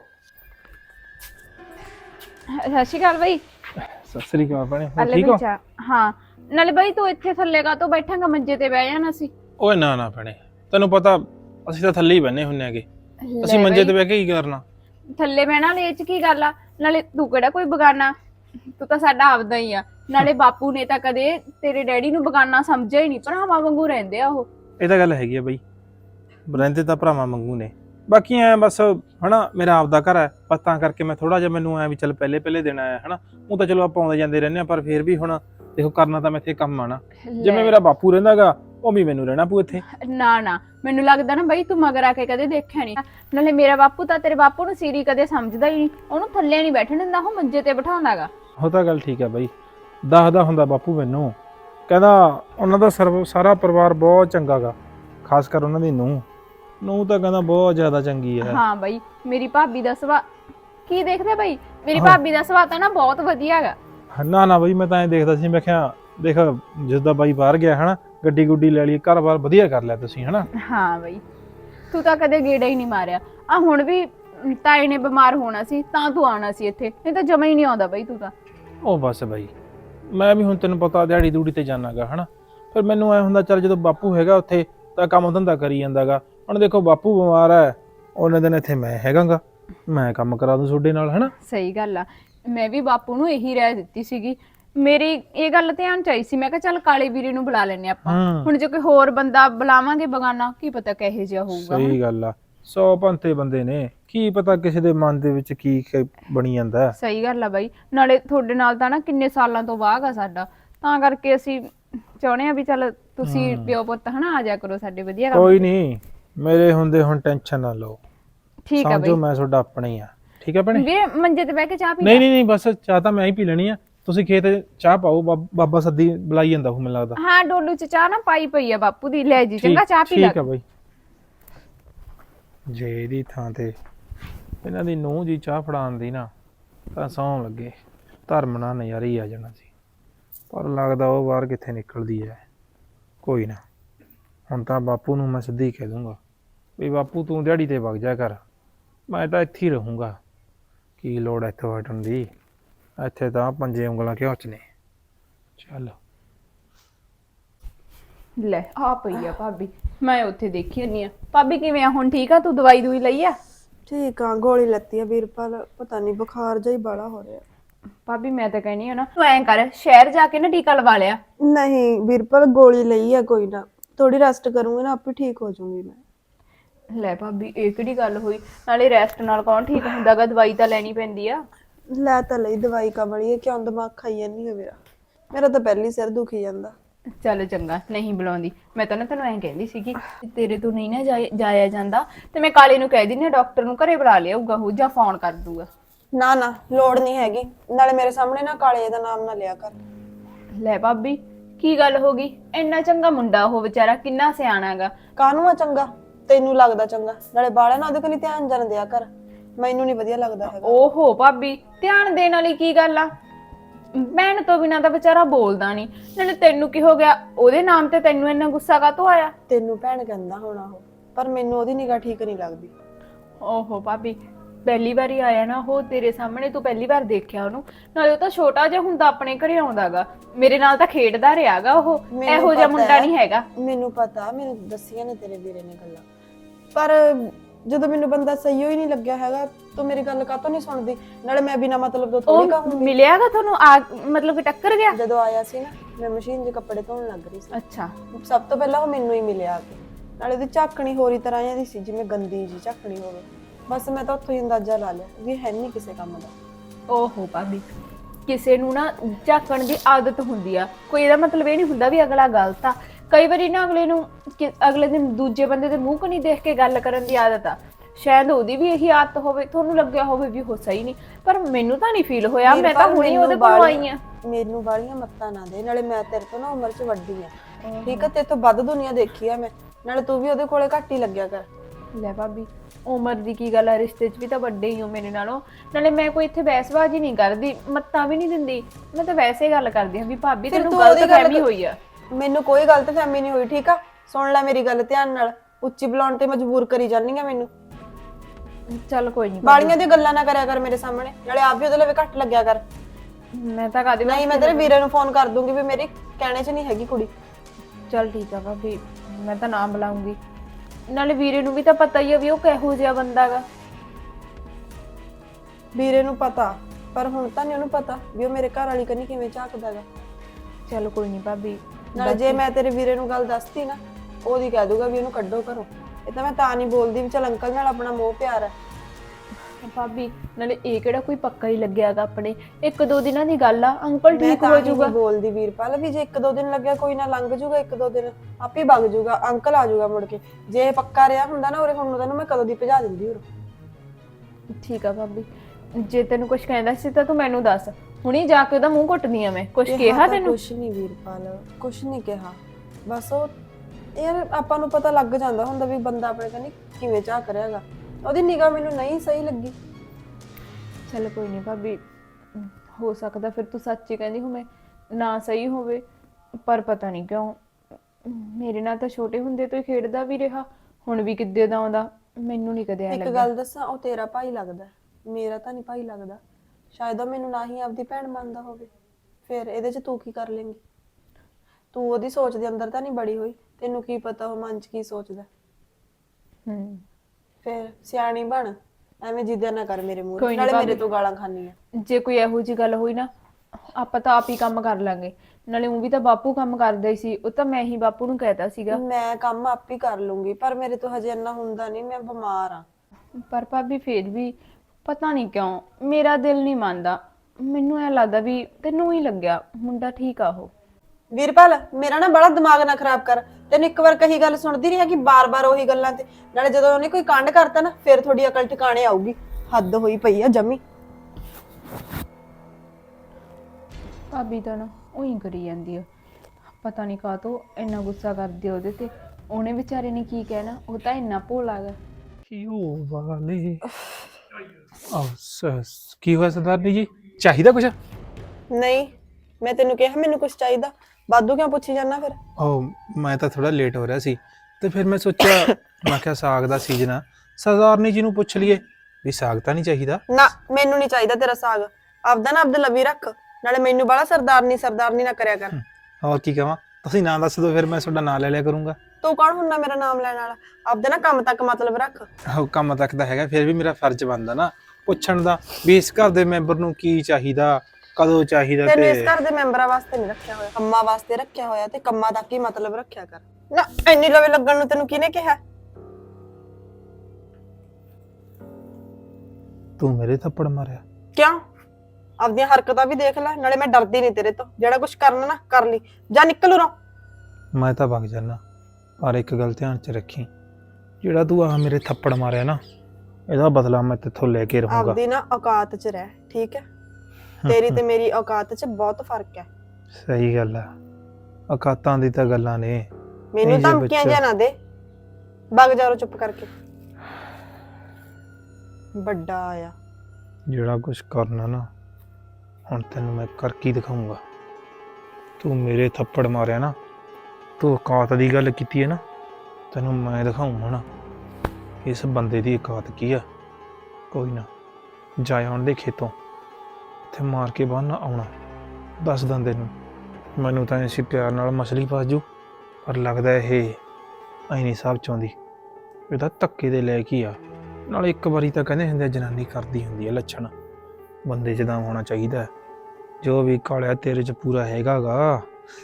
Speaker 3: ਸਤਿ ਸ਼੍ਰੀ ਅਕਾਲ ਬਈ।
Speaker 2: ਸਤਿ ਸ੍ਰੀ ਅਕਾਲ ਭੈਣੇ, ਹੋਰ
Speaker 3: ਅੱਲੇ
Speaker 2: ਠੀਕ ਹੋ?
Speaker 3: ਚਾਹ। ਹਾਂ ਨਾਲੇ ਬਈ ਤੂੰ ਇੱਥੇ ਥੱਲੇ ਕਾ ਤੋਂ ਬੈਠਾਂਗਾ, ਮੰਜੇ ਤੇ ਬਹਿ ਜਾਣਾ ਸੀ।
Speaker 2: ਓਏ ਨਾ ਨਾ ਭੈਣੇ, ਤੈਨੂੰ ਪਤਾ ਅਸੀਂ ਤਾਂ ਥੱਲੇ ਹੀ ਬਹਿੰਦੇ ਹੁੰਨੇ ਹੈਗੇ, ਅਸੀਂ
Speaker 3: ਲੈ
Speaker 2: ਮੰਜੇ
Speaker 3: ਬਈ,
Speaker 2: ਤੇ ਬਹਿ ਕੇ ਕੀ ਕਰਨਾ।
Speaker 3: ਥੱਲੇ ਬਹਿਣਾ ਲੈ ਚ ਕੀ ਗੱਲ ਆ, ਨਾਲੇ ਤੂੰ ਕਿਹੜਾ ਕੋਈ ਬਗਾਨਾ, ਤੂੰ ਤਾਂ ਸਾਡਾ ਆਪਦਾ ਹੀ ਆ। ਨਾਲੇ ਬਾਪੂ ਨੇ ਤਾਂ ਕਦੇ ਤੇਰੇ ਡੈਡੀ ਨੂੰ ਬਗਾਨਾ ਸਮਝਿਆ ਹੀ ਨਹੀਂ, ਭਰਾਵਾਂ ਵਾਂਗੂ ਰਹਿੰਦੇ ਆ ਉਹ।
Speaker 2: ਇਹ ਤਾਂ ਗੱਲ ਹੈਗੀ ਆ ਬਈ, ਰਹਿੰਦੇ ਤਾਂ ਭਰਾਵਾਂ ਵਾਂਗੂ ਨੇ। ਬਾਕੀ ਐ ਬਸ ਹਨਾ, ਮੇਰਾ ਆਪਦਾ ਘਰ ਹੈ, ਬਸ ਤਾਂ ਕਰਕੇ ਮੈਂ ਥੋੜਾ ਜਿਹਾ ਮੈਨੂੰ ਐ ਵੀ ਚੱਲ ਪਹਿਲੇ ਦਿਨ ਆਇਆ ਹਨਾ। ਉਹ ਤਾਂ ਚਲੋ ਆਪਾਂ ਆਉਂਦੇ ਜਾਂਦੇ ਰਹਿੰਦੇ ਆ, ਪਰ ਫਿਰ ਵੀ ਹੁਣ ਦੇਖੋ ਕਰਨਾ ਤਾਂ ਮੈਂ ਇੱਥੇ ਕੰਮ ਆਣਾ। ਜਿਵੇਂ ਮੇਰਾ ਬਾਪੂ ਰਹਿੰਦਾਗਾ ਉਹ ਵੀ ਮੈਨੂੰ ਰਹਿਣਾ ਪਊ ਇੱਥੇ।
Speaker 3: ਨਾ ਨਾ, ਮੈਨੂੰ ਲੱਗਦਾ ਨਾ ਬਈ ਤੂੰ ਮਗਰ ਆ ਕੇ ਕਦੇ ਦੇਖਿਆ ਨਹੀਂ। ਨਾਲੇ ਮੇਰਾ ਬਾਪੂ ਤਾਂ ਤੇਰੇ ਬਾਪੂ ਨੂੰ ਸੀਰੀ ਕਦੇ ਸਮਝਦਾ ਹੀ ਨਹੀਂ, ਉਹਨੂੰ ਥੱਲੇ ਨਹੀਂ ਬੈਠਣ ਦਿੰਦਾ, ਉਹ ਮੰਜੇ ਤੇ ਬਿਠਾਉਂਦਾਗਾ।
Speaker 2: ਉਹ ਤਾਂ ਗੱਲ ਠੀਕ ਹੈ ਬਈ, ਦੱਸਦਾ ਹੁੰਦਾ ਬਾਪੂ ਮੈਨੂੰ, ਕਹਿੰਦਾ ਉਹਨਾਂ ਦਾ ਸਾਰਾ ਪਰਿਵਾਰ ਬਹੁਤ ਚੰਗਾ ਗਾ, ਖਾਸ ਕਰ ਉਹਨਾਂ ਦੀ ਨੂੰਹ ਤਾਂ ਕਹਿੰਦਾ ਬਹੁਤ ਜ਼ਿਆਦਾ ਚੰਗੀ ਹੈ।
Speaker 3: ਹਾਂ ਬਈ, ਮੇਰੀ ਭਾਬੀ ਦਾ ਸੁਭਾਅ ਕੀ ਦੇਖਦੇ ਬਈ, ਮੇਰੀ ਭਾਬੀ ਦਾ ਸੁਭਾਅ ਤਾਂ ਨਾ ਬਹੁਤ ਵਧੀਆ ਹੈਗਾ।
Speaker 2: ਨਾ ਬਈ, ਮੈਂ ਤਾਂ ਐਂ ਦੇਖਦਾ ਸੀ, ਮੈਂ ਕਿਹਾ ਦੇਖ ਜਿੱਦਾਂ ਬਾਈ ਬਾਹਰ ਗਿਆ ਹਨਾ, ਗੱਡੀ ਗੁੱਡੀ ਲੈ ਲਈ, ਘਰ-ਬਾਰ ਵਧੀਆ ਕਰ ਲਿਆ ਤੁਸੀਂ ਹਨਾ।
Speaker 3: ਹਾਂ ਬਈ, ਤੂੰ ਤਾਂ ਕਦੇ ਗੇੜਾ ਹੀ ਨਹੀਂ ਮਾਰਿਆ। ਆ ਹੁਣ ਵੀ ਤਾਏ ਨੇ ਬਿਮਾਰ ਹੋਣਾ ਸੀ ਤਾਂ ਤੂੰ ਆਉਣਾ ਸੀ ਇੱਥੇ, ਨਹੀਂ ਤਾਂ ਜਮਾ ਹੀ ਨਹੀਂ ਆਉਂਦਾ ਬਈ ਤੂੰ ਤਾਂ।
Speaker 2: ਉਹ ਬਸ ਬਾਈ, ਮੈਂ ਵੀ ਹੁਣ ਤੈਨੂੰ ਪਤਾ ਦਿਹਾੜੀ ਦੂੜੀ ਤੇ ਜਾਣਾਗਾ ਹਨਾ, ਫਿਰ ਮੈਨੂੰ ਐ ਹੁੰਦਾ ਚੱਲ ਜਦੋਂ ਬਾਪੂ ਹੈਗਾ ਉੱਥੇ ਤਾਂ ਕੰਮ ਧੰਦਾ ਕਰੀ ਜਾਂਦਾਗਾ। ਹੁਣ ਦੇਖੋ ਬਾਪੂ ਬਿਮਾਰ ਹੈ, ਉਹਨੇ ਦਿਨ ਇੱਥੇ ਮੈਂ ਹੈਗਾਗਾ, ਮੈਂ ਕੰਮ ਕਰਾ ਦੂੰ ਤੁਹਾਡੇ ਨਾਲ ਹਨਾ।
Speaker 3: ਸਹੀ ਗੱਲ ਆ, ਮੈਂ ਵੀ ਬਾਪੂ ਨੂੰ ਇਹੀ ਰਾਏ ਦਿੱਤੀ ਸੀਗੀ। ਮੇਰੀ ਇਹ ਗੱਲ ਧਿਆਨ ਚ ਆਈ ਸੀ, ਮੈਂ ਕਿਹਾ ਚੱਲ ਕਾਲੇ ਵੀਰੇ ਨੂੰ ਬੁਲਾ ਲੈਨੇ ਆਪਾਂ।
Speaker 2: ਹੂੰ।
Speaker 3: ਹੁਣ ਜੇ ਕੋਈ ਹੋਰ ਬੰਦਾ ਬੁਲਾਵਾਂਗੇ ਬਗਾਨਾ, ਕੀ ਪਤਾ ਕਿਹੋ ਜਿਹਾ ਹੋਊਗਾ।
Speaker 2: ਸਹੀ ਗੱਲ ਆ, 100 ਭੰਤੇ ਬੰਦੇ ਨੇ, ਕੀ ਪਤਾ ਕਿਸੇ ਦੇ ਮਨ ਦੇ ਵਿੱਚ ਕੀ ਬਣੀ ਜਾਂਦਾ।
Speaker 3: ਸਹੀ ਗੱਲ ਆ ਬਾਈ, ਨਾਲੇ ਤੁਹਾਡੇ ਨਾਲ ਤਾਂ ਨਾ ਕਿੰਨੇ ਸਾਲਾਂ ਤੋਂ ਵਾਹ ਗਾ ਸਾਡਾ, ਤਾਂ ਕਰਕੇ ਅਸੀਂ ਚਾਹੁੰਦੇ ਆ ਵੀ ਚੱਲ ਤੁਸੀਂ ਪਿਓ ਪੁੱਤ ਹਨਾ ਆ ਜਾ ਕਰੋ ਸਾਡੇ ਵਧੀਆ ਕੰਮ
Speaker 2: ਕੋਈ
Speaker 3: ਤੇ।
Speaker 2: ਨਹੀਂ, ਮੇਰੇ ਹੁੰਦੇ ਹੁਣ ਟੈਨਸ਼ਨ ਨਾ ਲਓ,
Speaker 3: ਠੀਕ ਆ
Speaker 2: ਸਮਝੋ
Speaker 3: ਬਾਈ।
Speaker 2: ਮੈਂ ਤੁਹਾਡਾ ਆਪਣਾ ਹੀ ਆ। ਠੀਕ ਆ ਭੈਣੇ?
Speaker 3: ਵੀਰੇ ਮੰਜੇ ਤੇ ਬਹਿ ਕੇ ਚਾਹ ਪੀ
Speaker 2: ਨਹੀਂ ਨਹੀਂ ਨਹੀਂ, ਬਸ ਚਾਹ ਤਾਂ ਮੈਂ ਹੀ ਪੀ ਲੈਣੀ ਆ। ਤੁਸੀਂ ਖੇਤ ਚਾਹ ਪਾਓ, ਬਾਬਾ ਸੱਦੀ ਬੁਲਾਈ ਜਾਂਦਾ ਉਹ, ਮੈਨੂੰ ਲੱਗਦਾ।
Speaker 3: ਹਾਂ ਡੋਲੂ ਚ ਚਾਹ ਨਾ ਪਾਈ ਪਈ ਆ ਬਾਪੂ ਦੀ, ਲੈ ਜੀ ਚੰਗਾ ਚਾਹ ਪੀ ਲੈ।
Speaker 2: ਠੀਕ ਆ ਬਾਈ। ਜੇ ਇਹਦੀ ਥਾਂ ਤੇ ਇਹਨਾਂ ਦੀ ਨੂੰਹ ਜੀ ਚਾਹ ਫੜਾਉਣ ਦੀ ਨਾ, ਤਾਂ ਸੌਂ ਲੱਗੇ ਧਰਮ ਨਾਲ ਨਜ਼ਾਰਾ ਹੀ ਆ ਜਾਣਾ ਸੀ। ਪਰ ਲੱਗਦਾ ਉਹ ਬਾਹਰ ਕਿੱਥੇ ਨਿਕਲਦੀ ਹੈ। ਕੋਈ ਨਾ, ਹੁਣ ਤਾਂ ਬਾਪੂ ਨੂੰ ਮੈਂ ਸਿੱਧੀ ਕਹਿ ਦੂੰਗਾ ਵੀ ਬਾਪੂ ਤੂੰ ਦਿਹਾੜੀ ਤੇ ਵਗ ਜਾ ਕਰ, ਮੈਂ ਤਾਂ ਇੱਥੇ ਹੀ ਰਹੂੰਗਾ। ਕੀ ਲੋੜ ਇੱਥੋਂ ਹਟਣ ਦੀ, ਇੱਥੇ ਤਾਂ ਪੰਜੇ ਉਂਗਲਾਂ ਕਿਉਂ ਚ ਨੇ। ਚੱਲ
Speaker 3: ਲੈ ਆ ਪਈ ਆ ਭਾਬੀ, ਮੈਂ ਉੱਥੇ ਦੇਖੀ ਹੁੰਨੀ ਆ। ਭਾਬੀ ਕਿਵੇਂ ਆ ਹੁਣ, ਠੀਕ ਆ? ਤੂੰ ਦਵਾਈ ਦੂਈ ਲਈ ਆ?
Speaker 1: ਠੀਕ ਆ, ਗੋਲੀ ਲੱਤੀ ਆ ਵੀਰਪਾਲ, ਪਤਾ ਨਹੀਂ ਬੁਖਾਰ ਜਿਹਾ ਹੀ ਬਾਲਾ ਹੋ ਰਿਹਾ।
Speaker 3: ਭਾਬੀ ਮੈਂ ਤਾਂ ਕਹਿਨੀ ਆ ਨਾ, ਤੂੰ ਐਂ ਕਰ ਸ਼ਹਿਰ ਜਾ ਕੇ ਨਾ ਟੀਕਾ ਲਵਾ ਲਿਆ।
Speaker 1: ਨਹੀਂ ਵੀਰਪਾਲ, ਗੋਲੀ ਲਈ ਆ, ਕੋਈ ਨਾ ਥੋੜੀ ਰੈਸਟ ਕਰੂੰਗੀ ਨਾ ਆਪੇ ਠੀਕ ਹੋ ਜਾਊਂਗੀ ਮੈਂ।
Speaker 3: ਲੈ ਭਾਬੀ ਇਹ ਕਿਹੜੀ ਗੱਲ ਹੋਈ, ਨਾਲੇ ਰੈਸਟ ਨਾਲ ਕੌਣ ਠੀਕ ਹੁੰਦਾਗਾ, ਦਵਾਈ ਤਾਂ ਲੈਣੀ ਪੈਂਦੀ ਆ।
Speaker 1: ਲੈ ਤਾਂ ਲਈ ਦਵਾਈ ਕਮਲੀ ਹੈ, ਕਿਉਂ ਦਿਮਾਗ ਖਾਈ ਜਾਂਦੀ ਹੈ ਮੇਰਾ ਤਾਂ ਪਹਿਲੀ ਸਿਰ ਦੁਖੀ ਜਾਂਦਾ।
Speaker 3: ਚੱਲ ਚੰਗਾ, ਨਹੀਂ ਬੁਲਾਉਂਦੀ। ਮੈਂ ਤਾਂ ਨਾ ਤੈਨੂੰ ਐਂ ਕਹਿੰਦੀ ਸੀਗੀ ਤੇਰੇ ਤੋਂ ਨਹੀਂ ਨਾ ਜਾਇਆ ਜਾਂਦਾ, ਤੇ ਮੈਂ ਕਾਲੇ ਨੂੰ ਕਹਿ ਦਿੰਦੀ ਆ ਡਾਕਟਰ ਨੂੰ ਘਰੇ ਬੁਲਾ ਲਿਆਊਗਾ ਉਹ, ਜਾਂ ਫੋਨ ਕਰ ਦੂਗਾ।
Speaker 1: ਨਾ ਨਾ ਲੋੜ ਨਹੀਂ ਹੈਗੀ, ਨਾਲੇ ਮੇਰੇ ਸਾਹਮਣੇ ਨਾ ਕਾਲੇ ਦਾ ਨਾਮ ਨਾ ਲਿਆ ਕਰ।
Speaker 3: ਲੈ ਭਾਬੀ ਕੀ ਗੱਲ ਹੋ ਗਈ, ਇੰਨਾ ਚੰਗਾ ਮੁੰਡਾ ਉਹ ਵਿਚਾਰਾ, ਕਿੰਨਾ ਸਿਆਣਾਗਾ।
Speaker 1: ਕਾਹਨੂੰ ਆ ਚੰਗਾ, ਤੈਨੂੰ ਲੱਗਦਾ ਚੰਗਾ, ਨਾਲੇ ਬਾਲਿਆਂ ਨਾਲ ਉਹਦੇ ਕੋਲ ਧਿਆਨ ਜਾਣ ਦਿਆ ਕਰ, ਮੈਨੂੰ ਨਹੀਂ ਵਧੀਆ ਲੱਗਦਾ ਹੈਗਾ।
Speaker 3: ਓਹੋ ਭਾਬੀ, ਧਿਆਨ ਦੇਣ ਵਾਲੀ ਕੀ ਗੱਲ ਆ, ਭੈਣ ਤੋਂ ਬਿਨਾਂ ਤਾਂ ਵਿਚਾਰਾ ਬੋਲਦਾ ਨਹੀਂ। ਨਾਲੇ ਤੈਨੂੰ ਕੀ ਹੋ ਗਿਆ, ਉਹਦੇ ਨਾਮ ਤੇ ਤੈਨੂੰ ਇੰਨਾ ਗੁੱਸਾ ਕਾਹਤੋਂ ਆਇਆ?
Speaker 1: ਤੈਨੂੰ ਭੈਣ ਕਹਿੰਦਾ ਹੋਣਾ ਉਹ, ਪਰ ਮੈਨੂੰ ਉਹਦੀ ਨਿਗਾਹ ਠੀਕ ਨਹੀਂ ਲੱਗਦੀ।
Speaker 3: ਓਹੋ ਭਾਬੀ, ਪਹਿਲੀ ਵਾਰੀ ਆਇਆ ਨਾ ਉਹ ਤੇਰੇ ਸਾਹਮਣੇ, ਤੂੰ ਪਹਿਲੀ ਵਾਰ ਦੇਖਿਆ ਉਹਨੂੰ, ਨਾਲੇ ਉਹ ਤਾਂ ਛੋਟਾ ਜਿਹਾ ਹੁੰਦਾ ਆਪਣੇ ਘਰੇ ਆਉਂਦਾਗਾ, ਮੇਰੇ ਨਾਲ ਤਾਂ ਖੇਡਦਾ ਰਿਹਾਗਾ ਉਹ, ਇਹੋ ਜਿਹਾ ਮੁੰਡਾ ਨਹੀਂ ਹੈਗਾ।
Speaker 1: ਮੈਨੂੰ ਪਤਾ, ਮੈਨੂੰ ਦੱਸੀਆਂ ਨੇ ਤੇਰੇ ਵੀਰੇ ਨੇ ਗੱਲਾਂ, ਪਰ ਜਦੋਂ ਮੈਨੂੰ ਬੰਦਾ ਸਹੀ ਹੀ ਨਹੀਂ ਲੱਗਿਆ ਹੈਗਾ, ਤੂੰ ਮੇਰੀ ਗੱਲ ਕਾਹਤੋਂ ਨਹੀਂ ਸੁਣਦੀ? ਨਾਲੇ ਮੈਂ ਬਿਨਾ ਮਤਲਬ ਤੋਂ ਥੋੜੀ ਕਹੂੰਗੀ।
Speaker 3: ਮਿਲਿਆਗਾ ਤੁਹਾਨੂੰ ਆ, ਮਤਲਬ ਕਿ ਟੱਕਰ ਗਿਆ?
Speaker 1: ਜਦੋਂ ਆਇਆ ਸੀ ਨਾ, ਮੈਂ ਮਸ਼ੀਨ 'ਚ ਕੱਪੜੇ ਧੋਣ ਲੱਗ ਰਹੀ ਸੀ।
Speaker 3: ਅੱਛਾ,
Speaker 1: ਸਭ ਤੋਂ ਪਹਿਲਾਂ ਉਹ ਮੈਨੂੰ ਹੀ ਮਿਲਿਆ ਆ ਕੇ, ਨਾਲੇ ਉਹਦੀ ਝਾਕਣੀ ਹੋਰੀ ਤਰ੍ਹਾਂ ਦੀ ਸੀ, ਜਿਵੇਂ ਗੰਦੀ ਜੀ ਝਾਕਣੀ ਹੋਵੇ। ਬਸ ਮੈਂ ਤਾਂ ਉੱਥੋਂ ਹੀ ਅੰਦਾਜ਼ਾ ਲਾ ਲਿਆ ਵੀ ਹੈ ਨਹੀਂ ਕਿਸੇ ਕੰਮ ਦਾ।
Speaker 3: ਓਹੋ ਭਾਬੀ, ਕਿਸੇ ਨੂੰ ਨਾ ਝਾਕਣ ਦੀ ਆਦਤ ਹੁੰਦੀ ਆ, ਕੋਈ ਇਹਦਾ ਮਤਲਬ ਇਹ ਨਹੀਂ ਹੁੰਦਾ ਵੀ ਅਗਲਾ ਗਲਤ ਆ। ਕਈ ਵਾਰੀ ਨਾ ਅਗਲੇ ਨੂੰ ਅਗਲੇ ਦਿਨ ਦੂਜੇ ਬੰਦੇ ਦੇ ਮੂੰਹ ਕੋ ਨਹੀਂ ਦੇਖ ਕੇ ਗੱਲ ਕਰਨ ਦੀ ਆਦਤ ਆ, ਸ਼ਾਇਦ ਉਹਦੀ ਵੀ ਇਹੀ ਆਦਤ ਹੋਵੇ, ਤੁਹਾਨੂੰ ਲੱਗਿਆ ਹੋਵੇ ਵੀ ਉਹ ਸਹੀ ਨਹੀਂ, ਪਰ ਮੈਨੂੰ ਤਾਂ ਨਹੀਂ ਫੀਲ ਹੋਇਆ। ਮੈਂ ਤਾਂ ਹੁਣੇ ਉਹਦੇ ਕੋਲ ਆਈ ਆ।
Speaker 1: ਮੈਨੂੰ ਬਾਲੀਆਂ ਮੱਤਾਂ ਨਾ ਦੇ, ਨਾਲੇ ਮੈਂ ਤੇਰੇ ਤੋਂ ਨਾ ਉਮਰ 'ਚ ਵੱਡੀ ਆ, ਠੀਕ ਆ? ਤੇਰੇ ਤੋਂ ਵੱਧ ਦੁਨੀਆ ਦੇਖੀ ਆ ਮੈਂ, ਨਾਲੇ ਤੂੰ ਵੀ ਉਹਦੇ ਕੋਲੇ ਘੱਟ ਹੀ ਲੱਗਿਆ ਕਰ।
Speaker 3: ਲੈ ਭਾਬੀ ਉਮਰ ਦੀ ਕੀ ਗੱਲ ਆ, ਰਿਸ਼ਤੇ 'ਚ ਵੀ ਤਾਂ ਵੱਡੇ ਹੀ ਹੋ ਮੇਰੇ ਨਾਲੋਂ। ਨਾਲੇ ਮੈਂ ਕੋਈ ਇੱਥੇ ਬਹਿਸਬਾਜ਼ੀ ਨਹੀਂ ਕਰਦੀ, ਮੱਤਾਂ ਵੀ ਨਹੀਂ ਦਿੰਦੀ, ਮੈਂ ਤਾਂ ਵੈਸੇ ਗੱਲ ਕਰਦੀ ਹਾਂ ਵੀ ਭਾਬੀ ਤੈਨੂੰ ਗਲਤਫਹਿਮੀ ਹੋਈ ਆ।
Speaker 1: ਮੈਨੂੰ ਕੋਈ ਗਲਤਫਹਿਮੀ ਨਹੀਂ ਹੋਈ, ਠੀਕ ਆ? ਸੁਣ ਲੈ ਮੇਰੀ ਗੱਲ ਧਿਆਨ ਨਾਲ, ਉੱਚੀ ਬੁਲਾਉਣ ਤੇ ਮਜਬੂਰ ਕਰੀ ਜਾਂਦੀ ਆ ਮੈਨੂੰ।
Speaker 3: ਚੱਲ ਕੋਈ ਨਹੀਂ,
Speaker 1: ਬਾਲੀਆਂ ਦੀਆਂ ਗੱਲਾਂ ਨਾ ਕਰਿਆ ਕਰ ਮੇਰੇ ਸਾਹਮਣੇ, ਨਾਲੇ ਆਪ ਵੀ ਉਹਦੇ ਲਵੇ ਘੱਟ ਲੱਗਿਆ ਕਰ।
Speaker 3: ਮੈਂ ਤਾਂ ਕਾਦੀ
Speaker 1: ਨਹੀਂ, ਮੈਂ ਤੇਰੇ ਵੀਰੇ ਨੂੰ ਫੋਨ ਕਰ ਦੂੰਗੀ ਵੀ ਮੇਰੀ ਕਹਿਣੇ 'ਚ ਨਹੀਂ ਹੈਗੀ ਕੁੜੀ।
Speaker 3: ਚੱਲ ਠੀਕ ਆ ਭਾਬੀ, ਮੈਂ ਤਾਂ ਨਾ ਬੁਲਾਉਂਗੀ। ਨਾਲੇ ਵੀਰੇ ਨੂੰ ਵੀ ਤਾਂ ਪਤਾ ਹੀ ਆ ਵੀ ਉਹ ਕਿਹੋ ਜਿਹਾ ਬੰਦਾ ਗਾ।
Speaker 1: ਵੀਰੇ ਨੂੰ ਪਤਾ, ਪਰ ਹੁਣ ਤਾਂ ਨਹੀਂ ਉਹਨੂੰ ਪਤਾ ਵੀ ਉਹ ਮੇਰੇ ਘਰ ਵਾਲੀ ਕਨੀ ਕਿਵੇਂ ਝਾਕਦਾ ਗਾ।
Speaker 3: ਚਲ ਕੋਈ ਨਹੀਂ ਭਾਬੀ,
Speaker 1: ਨਾਲੇ ਜੇ ਮੈਂ ਤੇਰੇ ਵੀਰੇ ਨੂੰ ਗੱਲ ਦੱਸਤੀ ਨਾ, ਉਹਦੀ ਕਹਿ ਦੂਗਾ ਵੀ ਇਹਨੂੰ ਕੱਢੋ ਘਰੋਂ। ਇਹ ਤਾਂ ਮੈਂ ਤਾਂ ਨਹੀਂ ਬੋਲਦੀ ਵੀ ਚਲ ਅੰਕਲ ਨਾਲ ਆਪਣਾ ਮੋਹ ਪਿਆਰ ਹੈ।
Speaker 3: ਭਾਬੀ ਨਾਲੇ ਇਹ ਕਿਹੜਾ ਕੋਈ ਪੱਕਾ ਹੀ ਲੱਗਿਆਗਾ ਆਪਣੇ, ਇੱਕ ਦੋ ਦਿਨਾਂ ਦੀ ਗੱਲ ਆ, ਅੰਕਲ
Speaker 1: ਮੈਂ
Speaker 3: ਠੀਕ
Speaker 1: ਤਾਂ
Speaker 3: ਹੋ
Speaker 1: ਨਹੀਂ
Speaker 3: ਜਾਊਗਾ।
Speaker 1: ਬੋਲਦੀ ਵੀਰਪਾਲ ਵੀ ਜੇ ਇੱਕ ਦੋ ਦਿਨ ਲੱਗਿਆ ਕੋਈ ਨਾ, ਲੰਘ ਜਾਊਗਾ ਇੱਕ ਦੋ ਦਿਨ, ਆਪੇ ਵਗ ਜਾਊਗਾ, ਅੰਕਲ ਆ ਜਾਊਗਾ ਮੁੜ ਕੇ। ਜੇ ਇਹ ਪੱਕਾ ਰਿਹਾ ਹੁੰਦਾ ਨਾ ਉਰੇ, ਹੁਣ ਨੂੰ ਤੈਨੂੰ ਮੈਂ ਕਦੋਂ ਦੀ ਭਜਾ ਦਿੰਦੀ ਉਰੇ।
Speaker 3: ਠੀਕ ਆ ਭਾਬੀ, ਜੇ ਤੈਨੂੰ ਕੁਝ ਕਹਿੰਦਾ ਸੀ ਤਾਂ ਤੂੰ ਮੈਨੂੰ ਦੱਸ, ਹੁਣੀ ਜਾ ਕੇ ਉਹਦਾ ਮੂੰਹ ਘੁੱਟਦੀ ਆ ਮੈਂ। ਕੁਝ ਕਿਹਾ ਤੈਨੂੰ?
Speaker 1: ਕੁਛ ਨਹੀਂ ਵੀਰਪਾਲ, ਕੁਛ ਨਹੀਂ ਕਿਹਾ, ਬਸ ਉਹ ਯਾਰ ਆਪਾਂ ਨੂੰ ਪਤਾ ਲੱਗ ਜਾਂਦਾ ਹੁੰਦਾ ਵੀ ਬੰਦਾ ਆਪਣੇ ਕਨੀ ਕਿਵੇਂ ਝਾਕ ਰਿਹਾਗਾ। ਉਹਦੀ ਨਿਗਾਹ ਮੈਨੂੰ ਨਹੀਂ ਸਹੀ ਲੱਗੀ।
Speaker 3: ਚਲ ਕੋਈ ਨਹੀਂ ਭਾਬੀ, ਹੋ ਸਕਦਾ ਫਿਰ ਤੂੰ ਸੱਚ ਹੀ ਕਹਿੰਦੀ ਹੋਵੇਂ, ਨਾ ਸਹੀ ਹੋਵੇ, ਪਰ ਪਤਾ ਨਹੀਂ ਕਿਉਂ ਮੇਰੇ ਨਾਲ ਤਾਂ ਛੋਟੇ ਹੁੰਦੇ ਤੋਂ ਹੀ ਖੇਡਦਾ ਵੀ ਰਿਹਾ, ਹੁਣ ਵੀ ਕਿੱਦੇ ਦਾ ਆਉਂਦਾ, ਮੈਨੂੰ ਨਹੀਂ ਕਦੇ ਐ
Speaker 1: ਇੱਕ ਗੱਲ ਦੱਸਾਂ, ਉਹ ਤੇਰਾ ਭਾਈ ਲੱਗਦਾ, ਮੇਰਾ ਤਾਂ ਨਹੀਂ ਭਾਈ ਲੱਗਦਾ। ਸ਼ਾਇਦ ਉਹ ਮੈਨੂੰ ਨਾ ਹੀ ਆਪਦੀ ਭੈਣ ਮੰਨਦਾ ਹੋਵੇ, ਫਿਰ ਇਹਦੇ 'ਚ ਤੂੰ ਕੀ ਕਰ ਲੇਂਗੀ? ਤੂੰ ਉਹਦੀ ਸੋਚ ਦੇ ਅੰਦਰ ਤਾਂ ਨਹੀਂ ਬੜੀ ਹੋਈ, ਤੈਨੂੰ ਕੀ ਪਤਾ ਉਹ ਮਨ 'ਚ ਕੀ ਸੋਚਦਾ।
Speaker 3: ਹੂੰ,
Speaker 1: ਫਿਰ ਸਿਆਣੀ ਬਣ, ਐਵੇਂ ਜਿੱਦਿਆ ਨਾ ਕਰ ਮੇਰੇ ਮੂੰਹ
Speaker 3: ਕੋਈ ਨੀ
Speaker 1: ਨਾਲੇ ਮੇਰੇ
Speaker 3: ਭਾਬੀ।
Speaker 1: ਤੋਂ ਗਾਲਾਂ ਖਾਣੀ ਆ।
Speaker 3: ਜੇ ਕੋਈ ਇਹੋ ਜੀ ਗੱਲ ਹੋਈ ਨਾ ਆਪਾਂ ਤਾਂ ਆਪ ਹੀ ਕੰਮ ਕਰ ਲਾਂਗੇ। ਨਾਲੇ ਉਹ ਵੀ ਤਾਂ ਬਾਪੂ ਕੰਮ ਕਰਦਾ ਹੀ ਸੀ, ਉਹ ਤਾਂ ਮੈਂ ਹੀ ਬਾਪੂ ਨੂੰ ਕਹਿਤਾ ਸੀਗਾ।
Speaker 1: ਮੈਂ ਕੰਮ ਆਪ ਹੀ ਕਰ ਲੂੰਗੀ ਪਰ ਮੇਰੇ ਤੋਂ ਹਜੇ ਇੰਨਾ ਹੁੰਦਾ ਨਹੀਂ, ਮੈਂ ਬਿਮਾਰ ਆ।
Speaker 3: ਪਰ ਭਾਬੀ ਫੇਰ ਵੀ ਪਤਾ ਨਹੀਂ ਕਿਉਂ ਮੇਰਾ ਦਿਲ ਨਹੀਂ ਮੰਨਦਾ। ਮੈਨੂੰ ਐ ਲੱਗਦਾ ਵੀ ਤੈਨੂੰ ਹੀ ਲੱਗਿਆ ਮੁੰਡਾ ਠੀਕ ਆ ਉਹ।
Speaker 1: ਵੀਰਪਾਲ ਮੇਰਾ ਨਾ ਬੜਾ ਦਿਮਾਗ ਨਾ ਖਰਾਬ ਕਰ। ਤੈਨੂੰ ਇੱਕ ਵਾਰ ਕਹੀ ਗੱਲ ਸੁਣਦੀ ਰਹੀ ਹੈ ਕਿ ਬਾਰ-ਬਾਰ ਉਹੀ ਗੱਲਾਂ ਤੇ ਨਾਲੇ ਜਦੋਂ ਉਹਨੇ ਕੋਈ ਕਾਂਡ ਕਰਤਾ ਨਾ ਫਿਰ ਥੋੜੀ ਅਕਲ ਟਿਕਾਣੇ ਆਊਗੀ। ਹੱਦ ਹੋਈ ਪਈ ਆ ਜਮੀ।
Speaker 3: ਭਾਬੀ ਤਾਂ ਨਾ ਉਹੀ ਕਰੀ ਜਾਂਦੀ ਆ, ਪਤਾ ਨਹੀਂ ਕਾਹਤੋਂ ਇੰਨਾ ਗੁੱਸਾ ਕਰਦੀ ਆ ਉਹਦੇ ਤੇ। ਉਹਨੇ ਵਿਚਾਰੇ ਨੇ ਕੀ ਕਹਿਣਾ, ਉਹ ਤਾਂ ਇੰਨਾ ਭੋਲਾ ਗਾ।
Speaker 2: ਕਿਉਂ ਵਾਲੇ ਕੀ ਹੋਇਆ ਸਰਦਾਰਨੀ ਜੀ, ਚਾਹੀਦਾ ਕੁਛ?
Speaker 1: ਨਹੀਂ ਮੈਂ ਤੈਨੂੰ ਕਿਹਾ ਮੈਨੂੰ ਕੁਝ ਚਾਹੀਦਾ, ਵਾਧੂ ਕਿਉਂ ਪੁੱਛੀ ਜਾਂਦਾ ਫਿਰ?
Speaker 2: ਮੈਂ ਤਾਂ ਥੋੜਾ ਲੇਟ ਹੋ ਰਿਹਾ ਸੀ ਤੇ ਫਿਰ ਮੈਂ ਸੋਚਿਆ ਮੈਂ ਕਿਹਾ ਸਾਗ ਦਾ ਸੀਜ਼ਨ ਆ, ਸਰਦਾਰਨੀ ਜੀ ਨੂੰ ਪੁੱਛ ਲਈਏ ਵੀ ਸਾਗ ਤਾਂ ਨਹੀਂ ਚਾਹੀਦਾ।
Speaker 1: ਨਾ ਮੈਨੂੰ ਨਹੀਂ ਚਾਹੀਦਾ ਤੇਰਾ ਸਾਗ, ਆਪਦਾ ਨਾ ਆਪਦੇ ਲਵੀ ਰੱਖ। ਨਾਲੇ ਮੈਨੂੰ ਬੜਾ ਸਰਦਾਰਨੀ ਨਾ ਕਰਿਆ ਕਰ।
Speaker 2: ਹੋਰ ਕੀ ਕਹਾਂ, ਤੁਸੀਂ ਨਾਂ ਦੱਸ ਦਿਓ ਫਿਰ ਮੈਂ ਤੁਹਾਡਾ ਨਾਂ ਲੈ ਲਿਆ ਕਰੂੰਗਾ।
Speaker 1: ਤੂੰ ਕੌਣ ਹੁੰਦਾ ਮੇਰਾ ਨਾਮ ਲੈਣ ਵਾਲਾ? ਆਪਦੇ ਨਾ ਕੰਮ ਤੱਕ ਮਤਲਬ ਰੱਖ।
Speaker 2: ਕੰਮ ਤੱਕ ਤਾਂ ਹੈਗਾ, ਫਿਰ ਵੀ ਮੇਰਾ ਫਰਜ਼ ਬਣਦਾ ਨਾ ਪੁੱਛਣ ਦਾ ਵੀ ਇਸ ਘਰ ਦੇ ਮੈਂਬਰ ਨੂੰ ਕੀ ਚਾਹੀਦਾ, ਕਦੋਂ ਚਾਹੀਦਾ।
Speaker 1: ਤੈਨੂੰ ਇਸ ਘਰ ਦੇ ਮੈਂਬਰਾਂ ਵਾਸਤੇ ਨਹੀਂ ਰੱਖਿਆ ਹੋਇਆ, ਕੰਮਾਂ ਵਾਸਤੇ ਰੱਖਿਆ ਹੋਇਆ ਤੇ ਕੰਮਾਂ ਤੱਕ ਹੀ ਮਤਲਬ ਰੱਖਿਆ ਕਰ। ਨਾ ਇੰਨੀ ਲਵੇ ਲੱਗਣ ਨੂੰ ਤੈਨੂੰ ਕਿਹਨੇ ਕਿਹਾ?
Speaker 2: ਤੂੰ ਮੇਰੇ ਥੱਪੜ ਮਾਰਿਆ
Speaker 1: ਕਿਉਂ? ਆਪਦੀਆਂ ਹਰਕਤਾਂ ਵੀ ਦੇਖ ਲੈ, ਨਾਲੇ ਮੈਂ ਡਰਦੀ ਨਹੀਂ ਤੇਰੇ ਤੋਂ। ਜਿਹੜਾ ਕੁਝ ਕਰਨਾ ਨਾ ਕਰ ਲਈ, ਜਾ ਨਿਕਲ ਉਰੋਂ।
Speaker 2: ਮੈਂ ਤਾਂ ਭੱਗ ਜਾਣਾ, ਪਰ ਇੱਕ ਗੱਲ ਧਿਆਨ 'ਚ ਰੱਖੀ, ਜਿਹੜਾ ਤੂੰ ਆ ਮੇਰੇ ਥੱਪੜ ਮਾਰਿਆ ਨਾ ਇਹਦਾ ਬਦਲਾ ਮੈਂ ਤੇਥੋਂ ਲੈ ਕੇ ਰਹੂੰਗਾ।
Speaker 1: ਆਪਦੀ ਨਾ ਔਕਾਤ 'ਚ ਰਹਿ, ਠੀਕ ਹੈ? ਤੇਰੀ ਤੇ ਮੇਰੀ ਔਕਾਤ 'ਚ ਬਹੁਤ ਫਰਕ ਹੈ।
Speaker 2: ਸਹੀ ਗੱਲ ਆ, ਔਕਾਤਾਂ ਦੀ ਤਾਂ ਗੱਲਾਂ ਨੇ।
Speaker 1: ਮੈਨੂੰ
Speaker 2: ਇਹ ਜੇ
Speaker 1: ਧਮਕੀਆਂ
Speaker 2: ਬੱਚਾ-
Speaker 1: ਜਾਂ ਨਾ ਦੇ, ਵਗ ਜਾ ਉਰੋਂ ਚੁੱਪ ਕਰਕੇ। ਵੱਡਾ ਆਇਆ।
Speaker 2: ਜਿਹੜਾ ਕੁਝ ਕਰਨਾ ਨਾ ਹੁਣ ਤੈਨੂੰ ਮੈਂ ਕਰਕੇ ਹੀ ਦਿਖਾਊਂਗਾ। ਤੂੰ ਮੇਰੇ ਥੱਪੜ ਮਾਰਿਆ ਨਾ, ਤੂੰ ਔਕਾਤ ਦੀ ਗੱਲ ਕੀਤੀ ਹੈ ਨਾ, ਤੈਨੂੰ ਮੈਂ ਦਿਖਾਊਂਗਾ ਨਾ ਇਸ ਬੰਦੇ ਦੀ ਔਕਾਤ ਕੀ ਆ। ਕੋਈ ਨਾ ਜਾ ਆਉਣ ਦੇ ਖੇਤੋਂ, ਇੱਥੇ ਮਾਰ ਕੇ ਬਾਹਰ ਨਾ ਆਉਣਾ। ਦੱਸ ਦਿੰਦੇ ਨੂੰ ਮੈਨੂੰ ਤਾਂ ਐਸੀ ਪਿਆਰ ਨਾਲ ਮਛਲੀ ਫਸ ਜੂ, ਪਰ ਲੱਗਦਾ ਇਹ ਐ ਨਹੀਂ ਸਾਹਿਬ ਚਾਹੁੰਦੀ। ਇਹ ਤਾਂ ਧੱਕੇ ਦੇ ਲੈ ਕੇ ਆ। ਨਾਲੇ ਇੱਕ ਵਾਰੀ ਤਾਂ ਕਹਿੰਦੇ ਹੁੰਦੇ ਆ ਜਨਾਨੀ ਕਰਦੀ ਹੁੰਦੀ ਹੈ ਲੱਛਣ, ਬੰਦੇ 'ਚ ਤਾਂ ਹੋਣਾ ਚਾਹੀਦਾ। ਜੋ ਵੀ ਕਾਲਿਆ ਤੇਰੇ 'ਚ ਪੂਰਾ ਹੈਗਾਗਾ।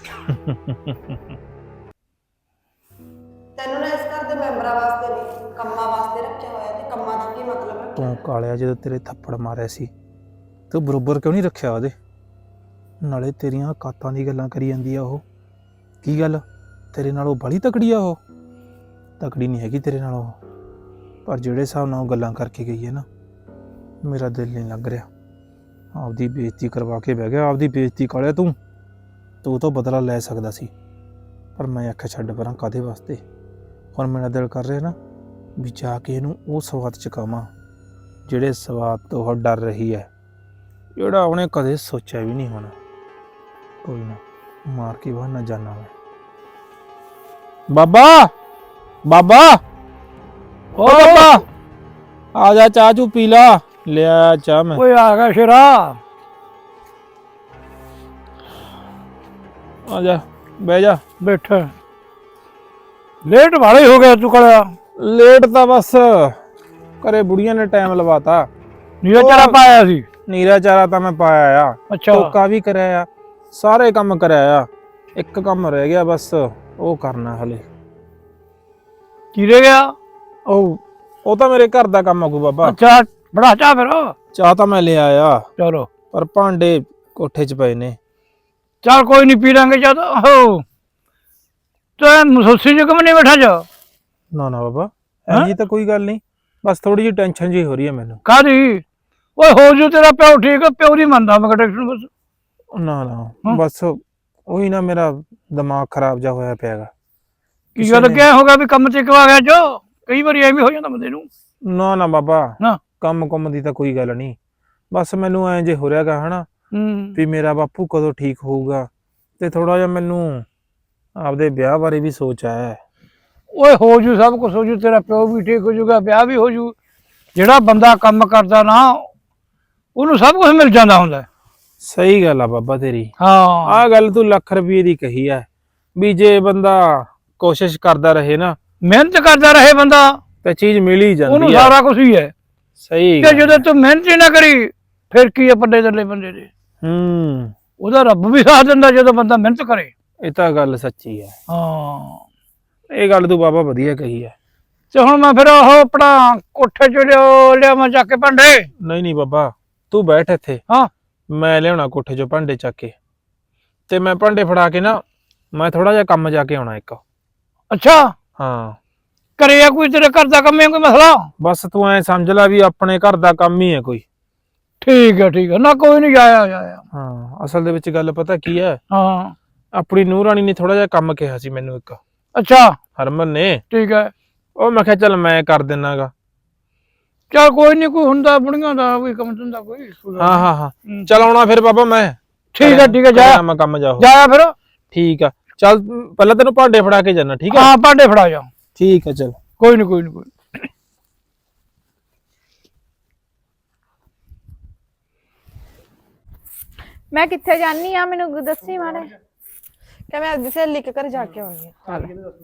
Speaker 1: ਤੈਨੂੰ ਨਾ ਇਸ ਘਰ ਦੇ ਮੈਂਬਰਾਂ ਵਾਸਤੇ ਨਹੀਂ, ਕੰਮਾਂ ਵਾਸਤੇ ਰੱਖਿਆ ਹੋਇਆ ਤੇ ਕੰਮਾਂ ਤੱਕ ਹੀ ਮਤਲਬ ਰੱਖਿਆ।
Speaker 2: ਤੂੰ ਕਾਲਿਆ ਜਦੋਂ ਤੇਰੇ ਥੱਪੜ ਮਾਰਿਆ ਸੀ ਤੂੰ ਬਰੋਬਰ ਕਿਉਂ ਨਹੀਂ ਰੱਖਿਆ ਉਹਦੇ? ਨਾਲੇ ਤੇਰੀਆਂ ਔਕਾਤਾਂ ਦੀ ਗੱਲਾਂ ਕਰੀ ਜਾਂਦੀ ਆ ਉਹ। ਕੀ ਗੱਲ ਤੇਰੇ ਨਾਲ ਉਹ ਬੜੀ ਤਕੜੀ ਆ? ਉਹ ਤਕੜੀ ਨਹੀਂ ਹੈਗੀ ਤੇਰੇ ਨਾਲ ਉਹ, ਪਰ ਜਿਹੜੇ ਹਿਸਾਬ ਨਾਲ ਉਹ ਗੱਲਾਂ ਕਰਕੇ ਗਈ ਹੈ ਨਾ ਮੇਰਾ ਦਿਲ ਨਹੀਂ ਲੱਗ ਰਿਹਾ। ਆਪਦੀ ਬੇਇੱਜ਼ਤੀ ਕਰਵਾ ਕੇ ਬਹਿ ਗਿਆ। ਆਪਦੀ ਬੇਇੱਜ਼ਤੀ ਕਾਲਿਆ ਤੂੰ ਤੋਂ ਬਦਲਾ ਲੈ ਸਕਦਾ ਸੀ, ਪਰ ਮੈਂ ਆਖਿਆ ਛੱਡ ਪਰਾਂ ਕਾਹਦੇ ਵਾਸਤੇ। ਹੁਣ ਮੇਰਾ ਦਿਲ ਕਰ ਰਿਹਾ ਨਾ ਵੀ ਜਾ ਕੇ ਇਹਨੂੰ ਉਹ ਸਵਾਦ ਚਕਾਵਾਂ ਜਿਹੜੇ ਸਵਾਦ ਤੋਂ ਉਹ ਡਰ ਰਹੀ ਹੈ, ਜਿਹੜਾ ਉਹਨੇ ਕਦੇ ਸੋਚਿਆ ਵੀ ਨਹੀਂ ਹੋਣਾ। ਕੋਈ ਨਾ ਮਾਰ ਕੇ ਬਾਹਰ ਨਾ ਜਾਣਾ ਮੈਂ। ਬਾਬਾ ਬਾਬਾ ਓ ਬਾਬਾ ਆ ਜਾ, ਚਾਹ ਚੂ ਪੀ ਲਾ। ਲਿਆ ਚਾਹ ਮੈਂ।
Speaker 4: ਓਏ ਆ ਗਿਆ ਸ਼ੇਰਾ,
Speaker 2: ਆ ਜਾ ਬਹਿ ਜਾ।
Speaker 4: ਬੈਠ। ਲੇਟ ਵਾਲੇ ਹੋ ਗਿਆ ਤੂੰ ਕਲਿਆ।
Speaker 2: ਲੇਟ ਤਾਂ ਬਸ ਘਰੇ ਬੁੜੀਆਂ ਨੇ ਟਾਈਮ ਲਵਾਤਾ।
Speaker 4: ਨੀਰਾ ਚਾਰਾ ਪਾਇਆ ਸੀ?
Speaker 2: ਨੀਰਾ ਚਾਰਾ ਤਾਂ ਮੈਂ ਪਾਇਆ ਆ,
Speaker 4: ਅੱਛਾ
Speaker 2: ਟੋਕਾ ਵੀ ਕਰਿਆ ਆ, ਸਾਰੇ ਕੰਮ ਕਰਿਆ ਆ। ਇੱਕ ਕੰਮ ਰਹਿ ਗਿਆ ਬਸ, ਉਹ ਕਰਨਾ ਹਲੇ।
Speaker 4: ਕੀ ਰਹਿ ਗਿਆ?
Speaker 2: ਉਹ ਤਾਂ ਮੇਰੇ ਘਰ ਦਾ ਕੰਮ ਆਗੂ ਬਾਬਾ।
Speaker 4: ਅੱਛਾ ਬੜਾ ਚਾਹ ਫਿਰ।
Speaker 2: ਚਾਹ ਤਾਂ ਮੈਂ ਲਿਆ ਆ,
Speaker 4: ਚਲੋ
Speaker 2: ਪਰ ਭਾਂਡੇ ਕੋਠੇ 'ਚ ਪਏ ਨੇ।
Speaker 4: ਚੱਲ ਕੋਈ ਨਹੀਂ ਪੀ ਲਾਂਗੇ ਜਦ। ਹੋ ਤੇ ਮਸੂਸੀ ਚ ਕਿਉਂ ਨਹੀਂ ਬੈਠਾ ਜਾ?
Speaker 2: ਨਾ ਨਾ ਬਾਬਾ ਐਂ ਤਾਂ ਕੋਈ ਗੱਲ ਨਹੀਂ, ਬਸ ਥੋੜੀ ਜਿਹੀ ਟੈਨਸ਼ਨ ਜੀ ਹੋ ਰਹੀ ਹੈ ਮੈਨੂੰ।
Speaker 4: ਕਾਹਦੀ? ਓਏ ਹੋ ਜੂ ਤੇਰਾ ਪਿਓ ਠੀਕ ਆ, ਪਿਓ ਦੀ ਮੰਨਦਾ ਮੈਂ ਟੈਨਸ਼ਨ ਬਸ।
Speaker 2: ਨਾ ਨਾ ਬਸ ਉਹੀ ਨਾ ਮੇਰਾ ਦਿਮਾਗ ਖਰਾਬ ਜਾ ਹੋਇਆ ਪਿਆਗਾ।
Speaker 4: ਕੀ ਗੱਲ ਕਿਆ ਹੋ ਗਿਆ ਵੀ ਕੰਮ ਤੇ ਕਿਉਂ ਆ ਗਿਆ ਜੋ? ਕਈ ਵਾਰੀ ਐਵੇਂ ਹੋ ਜਾਂਦਾ ਬੰਦੇ ਨੂੰ।
Speaker 2: ਨਾ ਨਾ ਬਾਬਾ
Speaker 4: ਨਾ
Speaker 2: ਕੰਮ ਦੀ ਤਾਂ ਕੋਈ ਗੱਲ ਨਹੀਂ, ਬਸ ਮੈਨੂੰ ਐਂ ਜੇ ਹੋ ਰਿਹਾਗਾ ਹਨਾ ਵੀ ਮੇਰਾ ਬਾਪੂ ਕਦੋਂ ਠੀਕ ਹੋਊਗਾ, ਤੇ ਥੋੜਾ ਜਿਹਾ ਮੈਨੂੰ ਆਪਦੇ ਵਿਆਹ ਬਾਰੇ ਵੀ ਸੋਚ ਆਇਆ।
Speaker 4: ਓਏ ਹੋ ਜੂ, ਸਭ ਕੁਝ ਹੋ ਜੂ, ਤੇਰਾ ਪਿਓ ਵੀ ਠੀਕ ਹੋ ਜੂਗਾ, ਵਿਆਹ ਵੀ ਹੋ ਜੂ। ਜਿਹੜਾ ਬੰਦਾ ਕੰਮ ਕਰਦਾ ਨਾ ਉਹਨੂੰ ਸਭ ਕੁਝ ਮਿਲ ਜਾਂਦਾ ਹੁੰਦਾ।
Speaker 2: ਸਹੀ ਗੱਲ ਆ ਬਾਬਾ ਤੇਰੀ।
Speaker 4: ਹਾਂ
Speaker 2: ਆਹ ਗੱਲ ਤੂੰ ਲੱਖ ਰੁਪਏ ਦੀ ਕਹੀ ਆ ਵੀ ਜੇ ਬੰਦਾ ਕੋਸ਼ਿਸ਼ ਕਰਦਾ ਰਹੇ ਨਾ,
Speaker 4: ਮਿਹਨਤ ਕਰਦਾ ਰਹੇ ਬੰਦਾ,
Speaker 2: ਤੇ ਚੀਜ਼ ਮਿਲ ਹੀ
Speaker 4: ਉਹਨੂੰ
Speaker 2: ਜਾਂਦੀ ਆ।
Speaker 4: ਸਾਰਾ ਕੁਝ ਹੀ ਹੈ।
Speaker 2: ਸਹੀ
Speaker 4: ਤੇ
Speaker 2: ਗੱਲ।
Speaker 4: ਜਦੋਂ ਤੂੰ ਮਿਹਨਤ ਹੀ ਨਾ ਕਰੀ ਫਿਰ ਕੀ ਆ ਪੱਲੇ ਥੱਲੇ ਬੰਦੇ ਦੇ।
Speaker 2: ਹੂੰ,
Speaker 4: ਉਹਦਾ ਰੱਬ ਵੀ ਸਾਥ ਦਿੰਦਾ ਜਦੋਂ ਬੰਦਾ ਮਿਹਨਤ ਕਰੇ।
Speaker 2: ਇਹ ਤਾਂ ਗੱਲ ਸੱਚੀ ਹੈ।
Speaker 4: ਹਾਂ
Speaker 2: ਇਹ ਗੱਲ ਤੂੰ ਬਾਬਾ ਵਧੀਆ ਕਹੀ ਹੈ।
Speaker 4: ਤੇ ਹੁਣ ਮੈਂ ਫਿਰ ਉਹ ਆਪਣਾ ਕੋਠੇ ਚ ਲਿਆਵਾਂ ਚੱਕ ਕੇ ਭਾਂਡੇ।
Speaker 2: ਨਹੀਂ ਨਹੀਂ ਬਾਬਾ, ਤੂੰ ਬੈਠ ਇੱਥੇ।
Speaker 4: ਹਾਂ
Speaker 2: ਮੈਂ ਲਿਆਉਣਾ ਕੋਠੇ 'ਚੋਂ ਭਾਂਡੇ ਚੱਕ ਕੇ, ਤੇ ਮੈਂ ਭਾਂਡੇ ਫੜਾ ਕੇ ਨਾ ਮੈਂ ਥੋੜਾ ਜਿਹਾ ਕੰਮ ਜਾ ਕੇ ਆਉਣਾ ਇੱਕ।
Speaker 4: ਅੱਛਾ
Speaker 2: ਹਾਂ,
Speaker 4: ਕਰਿਆ ਕੋਈ ਤੇਰੇ ਘਰ ਦਾ ਕੰਮ ਹੈ ਕੋਈ ਮਸਲਾ?
Speaker 2: ਬਸ ਤੂੰ ਐ ਸਮਝ ਲੈ ਵੀ ਆਪਣੇ ਘਰ ਦਾ ਕੰਮ ਹੀ ਹੈ ਕੋਈ।
Speaker 4: ਠੀਕ ਹੈ ਨਾ ਕੋਈ ਨਹੀਂ ਜਾਇਆ।
Speaker 2: ਹਾਂ, ਅਸਲ ਦੇ ਵਿੱਚ ਗੱਲ ਪਤਾ ਕੀ ਹੈ,
Speaker 4: ਹਾਂ
Speaker 2: ਆਪਣੀ ਨੂੰਹ ਰਾਣੀ ਨੇ ਥੋੜਾ ਜਿਹਾ ਕੰਮ ਕਿਹਾ ਸੀ ਮੈਨੂੰ ਇੱਕ,
Speaker 4: ਅੱਛਾ
Speaker 2: ਹਰਮਨ ਨੇ।
Speaker 4: ਠੀਕ ਹੈ
Speaker 2: ਉਹ ਮੈਂ ਕਿਹਾ ਚੱਲ ਮੈਂ ਕਰ ਦਿੰਨਾਗਾ।
Speaker 4: ਚਲ ਕੋਈ ਨਹੀਂ, ਕੋਈ ਹੁੰਦਾ ਬੁੜੀਆਂ ਦਾ ਕੋਈ ਕੰਮ ਧੰਦਾ ਕੋਈ।
Speaker 2: ਹਾਂ ਚੱਲ ਆਉਣਾ ਫਿਰ ਬਾਬਾ ਮੈਂ।
Speaker 4: ਠੀਕ ਹੈ ਜਾ
Speaker 2: ਮੈਂ ਕੰਮ ਜਾਓ।
Speaker 4: ਜਾਇਆ ਫਿਰ।
Speaker 2: ਠੀਕ ਆ, ਚੱਲ ਪਹਿਲਾਂ ਤੈਨੂੰ ਭਾਂਡੇ ਫੜਾ ਕੇ ਜਾਣਾ। ਠੀਕ ਆ,
Speaker 4: ਹਾਂ ਭਾਂਡੇ ਫੜਾ ਜਾ।
Speaker 2: ਠੀਕ ਆ, ਚੱਲ।
Speaker 4: ਕੋਈ ਨਹੀਂ।
Speaker 3: ਮੈਂ ਕਿੱਥੇ ਜਾਨੀ ਆ ਮੈਨੂੰ ਦੱਸੀ ਮਾੜੇ।
Speaker 1: ਕਿ ਮੈਂ ਅੱਜ ਸਹੇਲੀ ਕੇ ਘਰ ਜਾ ਕੇ ਆਉਣੀ ਆ।